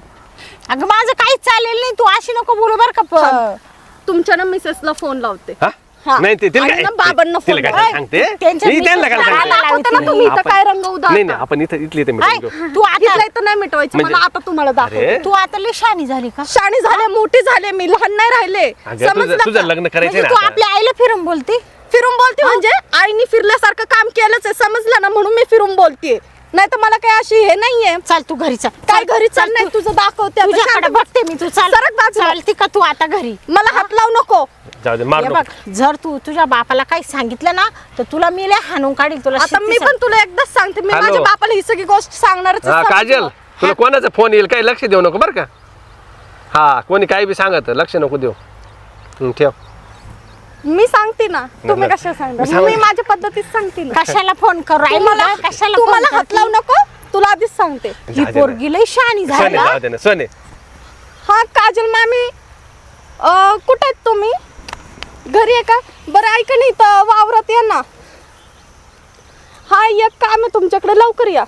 [SPEAKER 2] अगं माझं काहीच चालेल नाही. तू अशी नको बोलू बर का
[SPEAKER 3] तुमच्या ना मिसेसला फोन लावते.
[SPEAKER 6] हा?
[SPEAKER 3] हा.
[SPEAKER 6] नाही ते तिला
[SPEAKER 3] आणि
[SPEAKER 6] काय
[SPEAKER 3] ना बाबांना
[SPEAKER 6] तिला
[SPEAKER 3] फोन
[SPEAKER 6] काय
[SPEAKER 2] लाव.
[SPEAKER 6] सांगते?
[SPEAKER 2] त्यांच्या
[SPEAKER 6] मी त्यांना काय
[SPEAKER 2] मिसेसला
[SPEAKER 6] सांगते?
[SPEAKER 2] लाव.
[SPEAKER 3] दाखवते ना तुम्ही इथं काय रंग
[SPEAKER 6] नाही
[SPEAKER 3] उधळता.
[SPEAKER 6] नाही आपण इथं इथले
[SPEAKER 2] ऐ, तू
[SPEAKER 3] इथलं
[SPEAKER 2] आता
[SPEAKER 3] इथं नाही मिटवायचं
[SPEAKER 6] म्हणजे-
[SPEAKER 3] मला. आता तुम्हाला दाखवते.
[SPEAKER 6] अरे
[SPEAKER 2] तू आता लय शानी झाली का?
[SPEAKER 3] शाणी झाले, मोठी झाले, मी लहान नाही राहिले.
[SPEAKER 6] अगं,
[SPEAKER 3] समजलं
[SPEAKER 6] तुझं
[SPEAKER 3] का?
[SPEAKER 6] लग्न करायचंय
[SPEAKER 2] म्हणजे
[SPEAKER 6] ना
[SPEAKER 2] तू
[SPEAKER 6] आता.
[SPEAKER 2] आपल्या आईला फिरून बोलते.
[SPEAKER 3] फिरून बोलते म्हणजे आईनी फिरल्यासारखं काम केलंच आहे, समजलं ना? म्हणून मी फिरून बोलते. नाही तर मला काय अशी हे नाहीये.
[SPEAKER 2] चल तू घरी चल.
[SPEAKER 3] काय घरी चाल नाही तुझं दाखवते आता.
[SPEAKER 2] तुझ्याकडे
[SPEAKER 3] शांत
[SPEAKER 2] बघते मी. तू चाल
[SPEAKER 3] सरक बाजूला.
[SPEAKER 2] चालती का तू आता घरी?
[SPEAKER 3] मला हात लावू नको.
[SPEAKER 6] जाऊ दे, मार
[SPEAKER 2] हे
[SPEAKER 6] नको.
[SPEAKER 2] बघ जर तू तुझ्या बापाला काही सांगितलं ना तर तुला मी लय हाणून काढील. तुला
[SPEAKER 3] आता मी
[SPEAKER 2] शिस्ती
[SPEAKER 3] पण तुला एकदाच सांगते, मी
[SPEAKER 6] हॅलो.
[SPEAKER 3] माझ्या बापाला ही सगळी गोष्ट सांगणारच आहे,
[SPEAKER 6] हा
[SPEAKER 3] समजलं?
[SPEAKER 6] काजल, तुला कोणाचा फोन येईल काही लक्ष देऊ नको बरं का. हा कोणी काही बी सांगत लक्ष नको देऊ. ठेव.
[SPEAKER 3] मी सांगते ना. तुम्ही
[SPEAKER 6] नाही,
[SPEAKER 3] कशा सांगता?
[SPEAKER 6] मी सांगते.
[SPEAKER 3] मी माझ्या पद्धतीत सांगते ना.
[SPEAKER 2] कशाला फोन करू राहिली
[SPEAKER 3] तुम्हाला
[SPEAKER 2] ना? कशाला
[SPEAKER 3] तू
[SPEAKER 2] फोन
[SPEAKER 3] मला हात
[SPEAKER 2] करते?
[SPEAKER 3] लावू नको. तुला आधीच सांगते.
[SPEAKER 2] ही
[SPEAKER 6] जाऊ दे ना.
[SPEAKER 2] पोरगी लय शानी
[SPEAKER 6] सोने
[SPEAKER 2] झाली.
[SPEAKER 6] जाऊ दे ना सोने.
[SPEAKER 3] हा काजल मामी, कुठे आहेत तुम्ही? घरी आहे का? बरं ऐका नाही तर वावरात या ना. हा एक काम आहे तुमच्याकडे, लवकर या.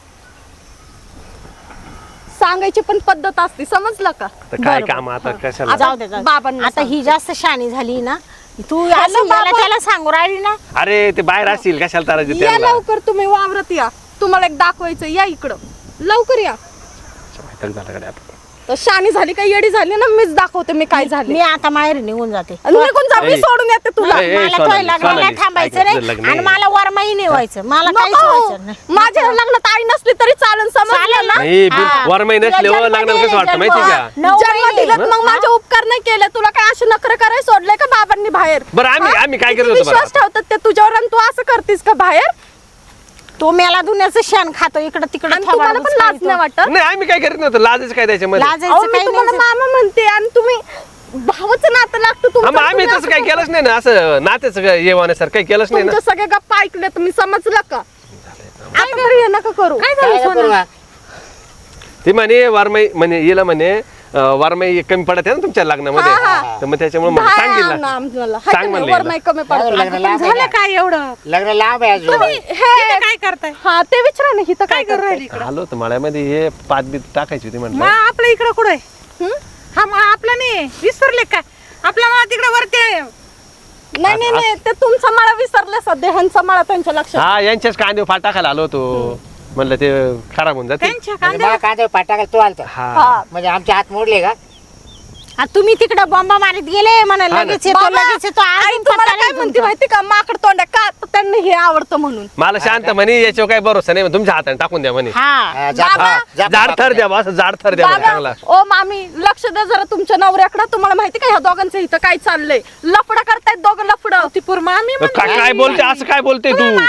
[SPEAKER 3] सांगायची पण पद्धत असते, समजलं का?
[SPEAKER 6] तर काय
[SPEAKER 2] बरोबर.
[SPEAKER 6] काम आता कशाला?
[SPEAKER 2] जाऊ दे जाऊ दे.
[SPEAKER 3] बाबांना
[SPEAKER 2] आता ही जास्त शानी झाली ना. तू
[SPEAKER 3] हॅलो,
[SPEAKER 2] असं याला
[SPEAKER 3] बाबा.
[SPEAKER 2] त्याला सांगू राहिली ना.
[SPEAKER 6] अरे ते बाहेर असतील कशाला तारा
[SPEAKER 3] या
[SPEAKER 6] त्यांना.
[SPEAKER 3] लवकर तुम्ही वावरात या. तुम्हाला एक दाखवायचं, या इकडं लवकर या.
[SPEAKER 6] झालं का आता?
[SPEAKER 3] तर शानी झाली का येडी झाली ना, मीच दाखवते मी काय झाले.
[SPEAKER 2] मी आता माहेरी निघून जाते.
[SPEAKER 3] आणि निघून जा, मी
[SPEAKER 6] ए.
[SPEAKER 3] सोडून येते तुला.
[SPEAKER 6] ए,
[SPEAKER 2] मला
[SPEAKER 6] सोनाली,
[SPEAKER 2] तोय लग्नाला
[SPEAKER 6] सोनाली,
[SPEAKER 2] थांबायचं
[SPEAKER 6] ऐक,
[SPEAKER 2] नाही
[SPEAKER 6] तुझं लग्न
[SPEAKER 2] आणि
[SPEAKER 6] आहे.
[SPEAKER 2] मला वरमाही नाही व्हायचं. मला काहीच व्हायचं
[SPEAKER 3] नको.
[SPEAKER 2] नाही.
[SPEAKER 3] माझ्या लग्नात आई नसली तरी चालेल, समजलं ना?
[SPEAKER 6] नाही
[SPEAKER 2] हा.
[SPEAKER 6] वरमाई नसले
[SPEAKER 2] तुला
[SPEAKER 6] हो
[SPEAKER 2] जन्म
[SPEAKER 6] लग्नाला कसं
[SPEAKER 2] दिले,
[SPEAKER 6] वाटतं
[SPEAKER 2] जन्म.
[SPEAKER 6] माहिती का?
[SPEAKER 2] 9
[SPEAKER 3] जन्म
[SPEAKER 2] महिने.
[SPEAKER 3] दिलं मग माझे उपकार नाही केले. तुला काय असे नखरे करायला सोडले का बाबांनी बाहेर?
[SPEAKER 6] बरं आम्ही
[SPEAKER 3] हा?
[SPEAKER 6] आम्ही काय
[SPEAKER 3] किती
[SPEAKER 6] करत होतो
[SPEAKER 3] विश्वास
[SPEAKER 6] बरं?
[SPEAKER 3] ठेवतात ते तुझ्यावर आणि तू असं करतीस का बाहेर?
[SPEAKER 2] तो मेला दुन्याचं शेण खातो इकडं तिकडं.
[SPEAKER 3] आणि तुम्हाला पण लाज नाही वाटत?
[SPEAKER 6] नाही आम्ही काय करत नव्हतो, लाजच काय त्याच्यामध्ये.
[SPEAKER 3] अहो,
[SPEAKER 2] लाजायचं
[SPEAKER 3] मी
[SPEAKER 2] काही
[SPEAKER 3] तुम्हाला
[SPEAKER 2] नाही.
[SPEAKER 3] मामा म्हणते आणि तुम्ही भावाचं नातं लागतं
[SPEAKER 6] हा,
[SPEAKER 3] तुमचं.
[SPEAKER 6] मग आम्ही
[SPEAKER 3] तुम्ही
[SPEAKER 6] तसं
[SPEAKER 3] असं
[SPEAKER 6] काही केलंच नाही ना, असं नातेच येवाण्यासारखं काही केलंच नाही ना.
[SPEAKER 3] तुमच्या सगळ्या गप्पा ऐकल्या तुम्ही, समजलं का? आता तरी हे नका करू.
[SPEAKER 2] काय
[SPEAKER 1] काय
[SPEAKER 2] झालं
[SPEAKER 1] करू
[SPEAKER 2] सोना?
[SPEAKER 1] बा?
[SPEAKER 6] ती म्हणे वारमाई म्हणे येला म्हणे वारमाई कमी पडत आहे ना तुमच्या लग्नामध्ये,
[SPEAKER 3] हा,
[SPEAKER 6] तर मग त्याच्यामुळे मग
[SPEAKER 3] दहा
[SPEAKER 6] सांगितलं
[SPEAKER 3] ना आम्हाला. हाय
[SPEAKER 6] सांग
[SPEAKER 3] का नाही?
[SPEAKER 6] म्हणलं
[SPEAKER 3] वर नाही कमी पडत.
[SPEAKER 1] लग्न लांब आहे
[SPEAKER 2] झालं
[SPEAKER 1] का?
[SPEAKER 2] काय एवढं?
[SPEAKER 1] लग्न लांब आहे अजून.
[SPEAKER 3] हे
[SPEAKER 2] काय करताय?
[SPEAKER 3] हा ते विचारा ना, इथं काय करू राहिली?
[SPEAKER 6] आलो होतो मळ्यामध्ये, हे पाच बीत टाकायची होती म्हटलं.
[SPEAKER 2] आपलं इकडं कुठं आहे? हा मग आपलं नाही विसरले काय? आपला मला तिकडे वरती आहे.
[SPEAKER 3] नाही नाही नाही, ते तुमचा माळा विसरले सध्या, ह्यांचा माळा त्यांच्या लक्षात.
[SPEAKER 6] हा यांच्याच कांदे फाट टाकायला आलो होतो, म्हणलं ते खराब होऊन जाते.
[SPEAKER 1] म्हणजे मला कांदे पाठ टाकायला तू आलता.
[SPEAKER 6] हा
[SPEAKER 3] हा.
[SPEAKER 1] म्हणजे आमचे हात मोडले का?
[SPEAKER 2] तुम्ही तिकडे बॉम्बा मारीत गेले म्हणा
[SPEAKER 6] ना.
[SPEAKER 2] लगेच येतो
[SPEAKER 3] बाबा,
[SPEAKER 2] लगेच येतो.
[SPEAKER 3] आई
[SPEAKER 2] अजून
[SPEAKER 3] तुम्हाला
[SPEAKER 2] पत्ता
[SPEAKER 3] काय
[SPEAKER 2] नाही
[SPEAKER 3] म्हणते
[SPEAKER 2] तुमचा.
[SPEAKER 3] माहिती का? माकड तोंडा का? तर त्यांना हे आवडतं म्हणून.
[SPEAKER 6] मला शांत म्हणे याच्यावर काही भरोसा नाही, तुमच्या हाताने टाकून द्या म्हणे.
[SPEAKER 2] हा
[SPEAKER 1] हा, जा-
[SPEAKER 3] बाबा,
[SPEAKER 1] हा, जा-
[SPEAKER 6] जाड थर द्या बा, असं जाड थर द्या म्हणे चांगला.
[SPEAKER 3] बाबा ओ मामी, लक्ष द्या जरा तुमच्या नवऱ्याकडे. तुम्हाला माहिती का ह्या दोघांचं इथं काय चाललंय? लफडं करतायत दोघं, लफडं.
[SPEAKER 2] ती पूर्व मामी
[SPEAKER 6] काय काय बोलते, असं काय बोलते तू?
[SPEAKER 2] मामा म्हणते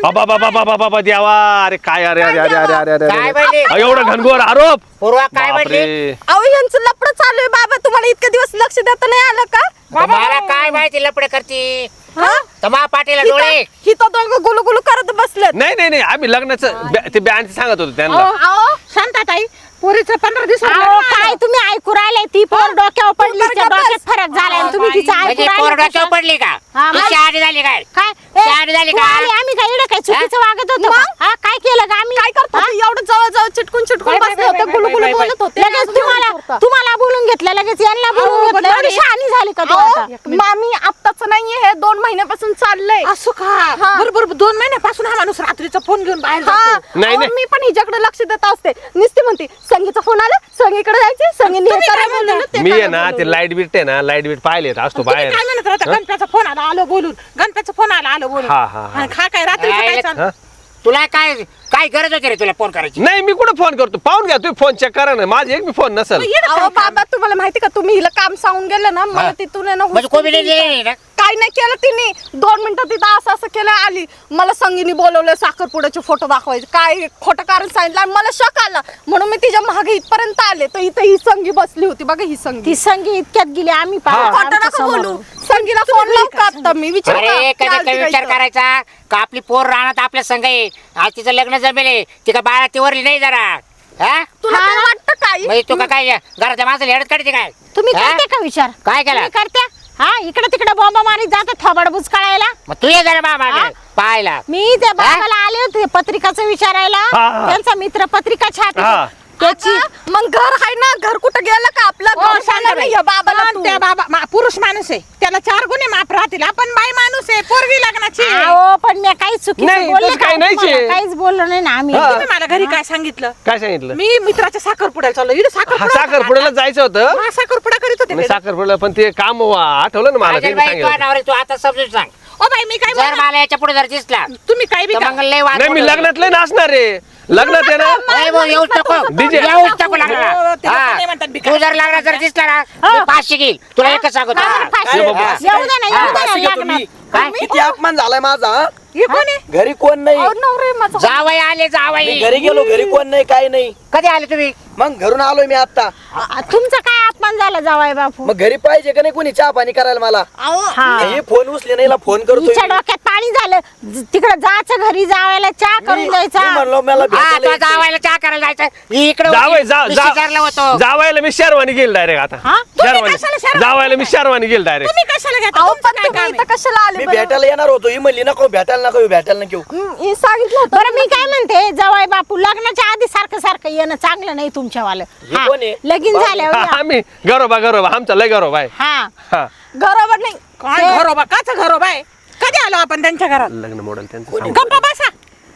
[SPEAKER 6] बाबा बाबा बाबा बाबा देवा अरे काय अरे अरे अरे अरे अरे अरे
[SPEAKER 1] काय म्हणली?
[SPEAKER 6] एवढं घनघोर आरोप
[SPEAKER 1] पूर्वा काय म्हणली?
[SPEAKER 6] बापरे.
[SPEAKER 3] अहो यांचं लपड चालू आहे बाबा, तुम्हाला इतके दिवस लक्ष देता नाही आलं का?
[SPEAKER 1] मला काय माहिती लपडे करती
[SPEAKER 3] हा?
[SPEAKER 1] तमा पाटीला डोळे
[SPEAKER 3] ही तर दोघं गुलू गुलू करत बसलेत.
[SPEAKER 6] नाही नाही नाही आम्ही लग्नाचं ते बँच सांगत होतो त्यांना
[SPEAKER 2] अहो शांताताई पोरीचं 15 दिवस काय तुम्ही ऐकू राहिले ती पोर डोक्यावर पडली त्या डोक्यात फरक झालाय आणि तुम्ही तिचं ऐकू
[SPEAKER 1] म्हणजे
[SPEAKER 2] राहिले
[SPEAKER 1] कोरड्याच्या
[SPEAKER 2] कशात?
[SPEAKER 1] पडली का
[SPEAKER 2] हा, मग-
[SPEAKER 1] शहाणी झाली काय
[SPEAKER 2] काय
[SPEAKER 1] शहाणी झाली
[SPEAKER 2] तू
[SPEAKER 1] का?
[SPEAKER 2] आली, आम्ही काय इकडे काय चुकीचं वागत होतो का? हा काय केलं का आम्ही
[SPEAKER 3] काय करतो
[SPEAKER 2] हा?
[SPEAKER 3] ते? एवढं जवळ जवळ चिटकून चिटकून बसले होते, गुलू गुलू बोलत होते.
[SPEAKER 2] लगेच तुम्हाला बोलून घेतलं लगेच यांना बोलून घेतलं एवढी शहाणी झाली का तू आता?
[SPEAKER 3] अहो, मामी आत्ताच नाहीये, हे 2 महिन्यापासून चाललंय.
[SPEAKER 7] असं का बरोबर 2 महिन्यापासून हा माणूस रात्रीचा फोन घेऊन बाहेर
[SPEAKER 3] हा,
[SPEAKER 7] जातो.
[SPEAKER 6] नाही,
[SPEAKER 3] अहो,
[SPEAKER 6] नाही.
[SPEAKER 3] मी पण हिच्याकडे लक्ष देत असते. नुसती म्हणते संगीचा फोन आला, संगीकडे जायचे, संगीने हे करा बोलवलं, ते
[SPEAKER 6] मी
[SPEAKER 3] करा
[SPEAKER 6] आहे ना ते
[SPEAKER 3] बोलवलं.
[SPEAKER 6] लाईट बीट आहे ना लाईट बीट पाहिले असतो
[SPEAKER 7] तुम्ही
[SPEAKER 6] बाहेर
[SPEAKER 7] काय म्हणत होता गणप्याचा फोन आला आलो बोलून गणप्याचा फोन आला बोलून
[SPEAKER 6] हा, हा, हा.
[SPEAKER 7] आणि खा काय रात्रीचं काय चाललं?
[SPEAKER 6] हा?
[SPEAKER 1] तुला काय काय गरज होती रे तुला फोन करायची?
[SPEAKER 6] नाही मी कुठं फोन करतो पाहून घ्या तुम्ही फोन चेक करा ना माझे एक मी फोन नसेल
[SPEAKER 3] अहो बाबा तुम्हाला माहिती का, तुम्ही हिला काम सांगून गेलं ना, मला तिथून आहे ना
[SPEAKER 1] म्हणजे
[SPEAKER 3] हुसकून
[SPEAKER 1] कोबी नाही
[SPEAKER 3] दिली.
[SPEAKER 1] दिली ना?
[SPEAKER 3] काय नाही केलं तिने. 2 मिनिटं तिथं असं असं केलं, आली मला संगीने बोलवलं साखरपुड्याचे फोटो दाखवायचे, काय खोटं कारण सांगितलं आणि मला शक आला म्हणून मी तिच्या मागे इथपर्यंत आले तर इथं ही संगी बसली होती बघा, ही संगी.
[SPEAKER 2] ती संगी इतक्यात गेली आम्ही
[SPEAKER 3] खोटं नका बोलू. संगीला फोन लावू का आता मी विचार
[SPEAKER 1] अरे कधी विचार करायचा का आपली पोर राहणार आपल्या संघ आहे आज तिचं लग्न जमेले ती का बाळा तीवरली नाही जरा हा
[SPEAKER 3] तुला काय वाटतं काय?
[SPEAKER 1] म्हणजे तू का काय घराच्या माणसाला हेडत काढते काय
[SPEAKER 2] तुम्ही
[SPEAKER 1] हा?
[SPEAKER 2] करते का विचार
[SPEAKER 1] काय केलं?
[SPEAKER 2] तुम्ही करते हा इकडे तिकडे बॉम्ब मारीत जातात थोबड बुचकाळायला
[SPEAKER 1] मग तू ये जरा बाबा
[SPEAKER 2] हा?
[SPEAKER 1] पाहायला
[SPEAKER 2] मी त्या बाबाला आले होते पत्रिकाचं विचारायला
[SPEAKER 6] हा, हा.
[SPEAKER 2] त्यांचा मित्र पत्रिका छापी
[SPEAKER 6] हा.
[SPEAKER 2] त्याची
[SPEAKER 3] आता मग घर आहे ना, घर कुठं गेलं का आपलं?
[SPEAKER 7] हो,
[SPEAKER 3] घर सांगा नाही या बाबाला
[SPEAKER 7] पण
[SPEAKER 3] तू.
[SPEAKER 7] त्या बाबा पुरुष माणूस आहे त्याला 4 गुन्हे माफ राहतील. आपण बाई माणूस आहे पोरगी लग्नाची आहे.
[SPEAKER 2] अहो पण मी काहीच चुकीचं
[SPEAKER 6] नाही,
[SPEAKER 2] बोलले
[SPEAKER 6] तसं
[SPEAKER 2] का
[SPEAKER 6] काही नाहीच
[SPEAKER 2] तुम्हाला?
[SPEAKER 6] आहे.
[SPEAKER 2] काहीच बोललो नाही ना आम्ही
[SPEAKER 6] हा.
[SPEAKER 7] तुम्ही मला घरी काय सांगितलं?
[SPEAKER 6] काय सांगितलं
[SPEAKER 7] मी मित्राच्या साखरपुड्याला चाललो इकडे
[SPEAKER 6] साखरपुड्याला जायचं होतं
[SPEAKER 7] साखरपुडा करीत होते
[SPEAKER 6] नाही
[SPEAKER 7] ते.
[SPEAKER 6] साखरपुड्याला पण ते काम आठवलं ना मला ते
[SPEAKER 1] बाई, तू
[SPEAKER 6] सांगितलं
[SPEAKER 1] नवरे तू आता समजून सांग
[SPEAKER 7] ओ बाई मी काय
[SPEAKER 1] जर
[SPEAKER 7] बोलणार?
[SPEAKER 1] मला याच्या पुढे जर दिसला
[SPEAKER 7] तुम्ही काय बी
[SPEAKER 1] तर
[SPEAKER 7] करा.
[SPEAKER 1] मग लय वाद
[SPEAKER 6] नाही मी
[SPEAKER 1] मोठं
[SPEAKER 6] लग्नात लय नाचणार आहे लग्नात आहे ना
[SPEAKER 1] होईल. भाऊ, येऊच नको
[SPEAKER 6] DJ.
[SPEAKER 1] येऊच नको
[SPEAKER 7] हो, ते लोकं
[SPEAKER 1] लागला
[SPEAKER 7] नाही म्हणतात भिकारी.
[SPEAKER 1] तू जर लागला जर दिसला ना मी 500 घेईल तुला एकच सांगतो
[SPEAKER 2] का बरं फाशी?
[SPEAKER 6] ये बाबा.
[SPEAKER 2] येऊ दे ना येऊ दे
[SPEAKER 4] फाशी
[SPEAKER 2] ना
[SPEAKER 4] घेतो मी.
[SPEAKER 2] लग्नात.
[SPEAKER 1] काय
[SPEAKER 4] किती अपमान झालाय माझा हा?
[SPEAKER 7] हे कोण आहे?
[SPEAKER 4] घरी कोण नाही
[SPEAKER 3] अहो, नवरे माझा.
[SPEAKER 1] जावई आले
[SPEAKER 4] मी
[SPEAKER 1] जावई
[SPEAKER 4] घरी गेलो घरी कोण नाही काय नाही
[SPEAKER 1] कधी आले तुम्ही
[SPEAKER 4] मग घरून आलोय मी आता
[SPEAKER 2] तुमचा काय अपमान झाला जावाय बापू
[SPEAKER 4] मग घरी पाहिजे का नाही कोणी चहा पाणी करायला मला
[SPEAKER 2] हा
[SPEAKER 4] हे फोन उचले नाही फोन करतोय
[SPEAKER 2] हिच्या डोक्यात पाणी झालं तिकडे जायचं घरी जावायला चहा करून
[SPEAKER 4] मी
[SPEAKER 2] द्यायचा
[SPEAKER 4] म्हणलो मला
[SPEAKER 1] हा
[SPEAKER 4] भेटायला
[SPEAKER 1] तो
[SPEAKER 4] यायचंय.
[SPEAKER 1] जावायला चहा करायला जायचं इकडे
[SPEAKER 6] जावय
[SPEAKER 1] विचारलं होतं
[SPEAKER 6] जावायला मी शेरवानी गेल डायरेक्ट आता
[SPEAKER 2] हा?
[SPEAKER 7] तुम्ही कशाला शेरवानी
[SPEAKER 6] जावायला मी शेरवानी गेल डायरेक्ट
[SPEAKER 7] तुम्ही कशाला घेता?
[SPEAKER 3] अहो,
[SPEAKER 7] तुमचं
[SPEAKER 3] पण
[SPEAKER 7] काय
[SPEAKER 3] तुम्ही
[SPEAKER 7] काम
[SPEAKER 3] इथं
[SPEAKER 7] आहे?
[SPEAKER 3] कशाला आले
[SPEAKER 4] मी
[SPEAKER 3] बरं?
[SPEAKER 4] भेटायला येणार होतो ही म्हणली नको भेटायला नको
[SPEAKER 3] हे सांगितलं होतं.
[SPEAKER 2] बरं मी काय म्हणते जावाय बापू लग्नाच्या आधी सारखं सारखं येणं चांगलं नाही तुमच्यावालं
[SPEAKER 4] हे
[SPEAKER 2] हा,
[SPEAKER 4] कोण आहे?
[SPEAKER 2] लगीन झाल्यावर या.
[SPEAKER 6] आम्ही गरोबा आमचा लय गरोबा आहे
[SPEAKER 2] हा
[SPEAKER 6] हा
[SPEAKER 3] घरावर नाही.
[SPEAKER 7] काय घरोबा काच घरोबा आहे? कधी आलो आपण त्यांच्या घरात?
[SPEAKER 6] लग्न मॉडेल त्यांचं
[SPEAKER 7] गप्पा बसा.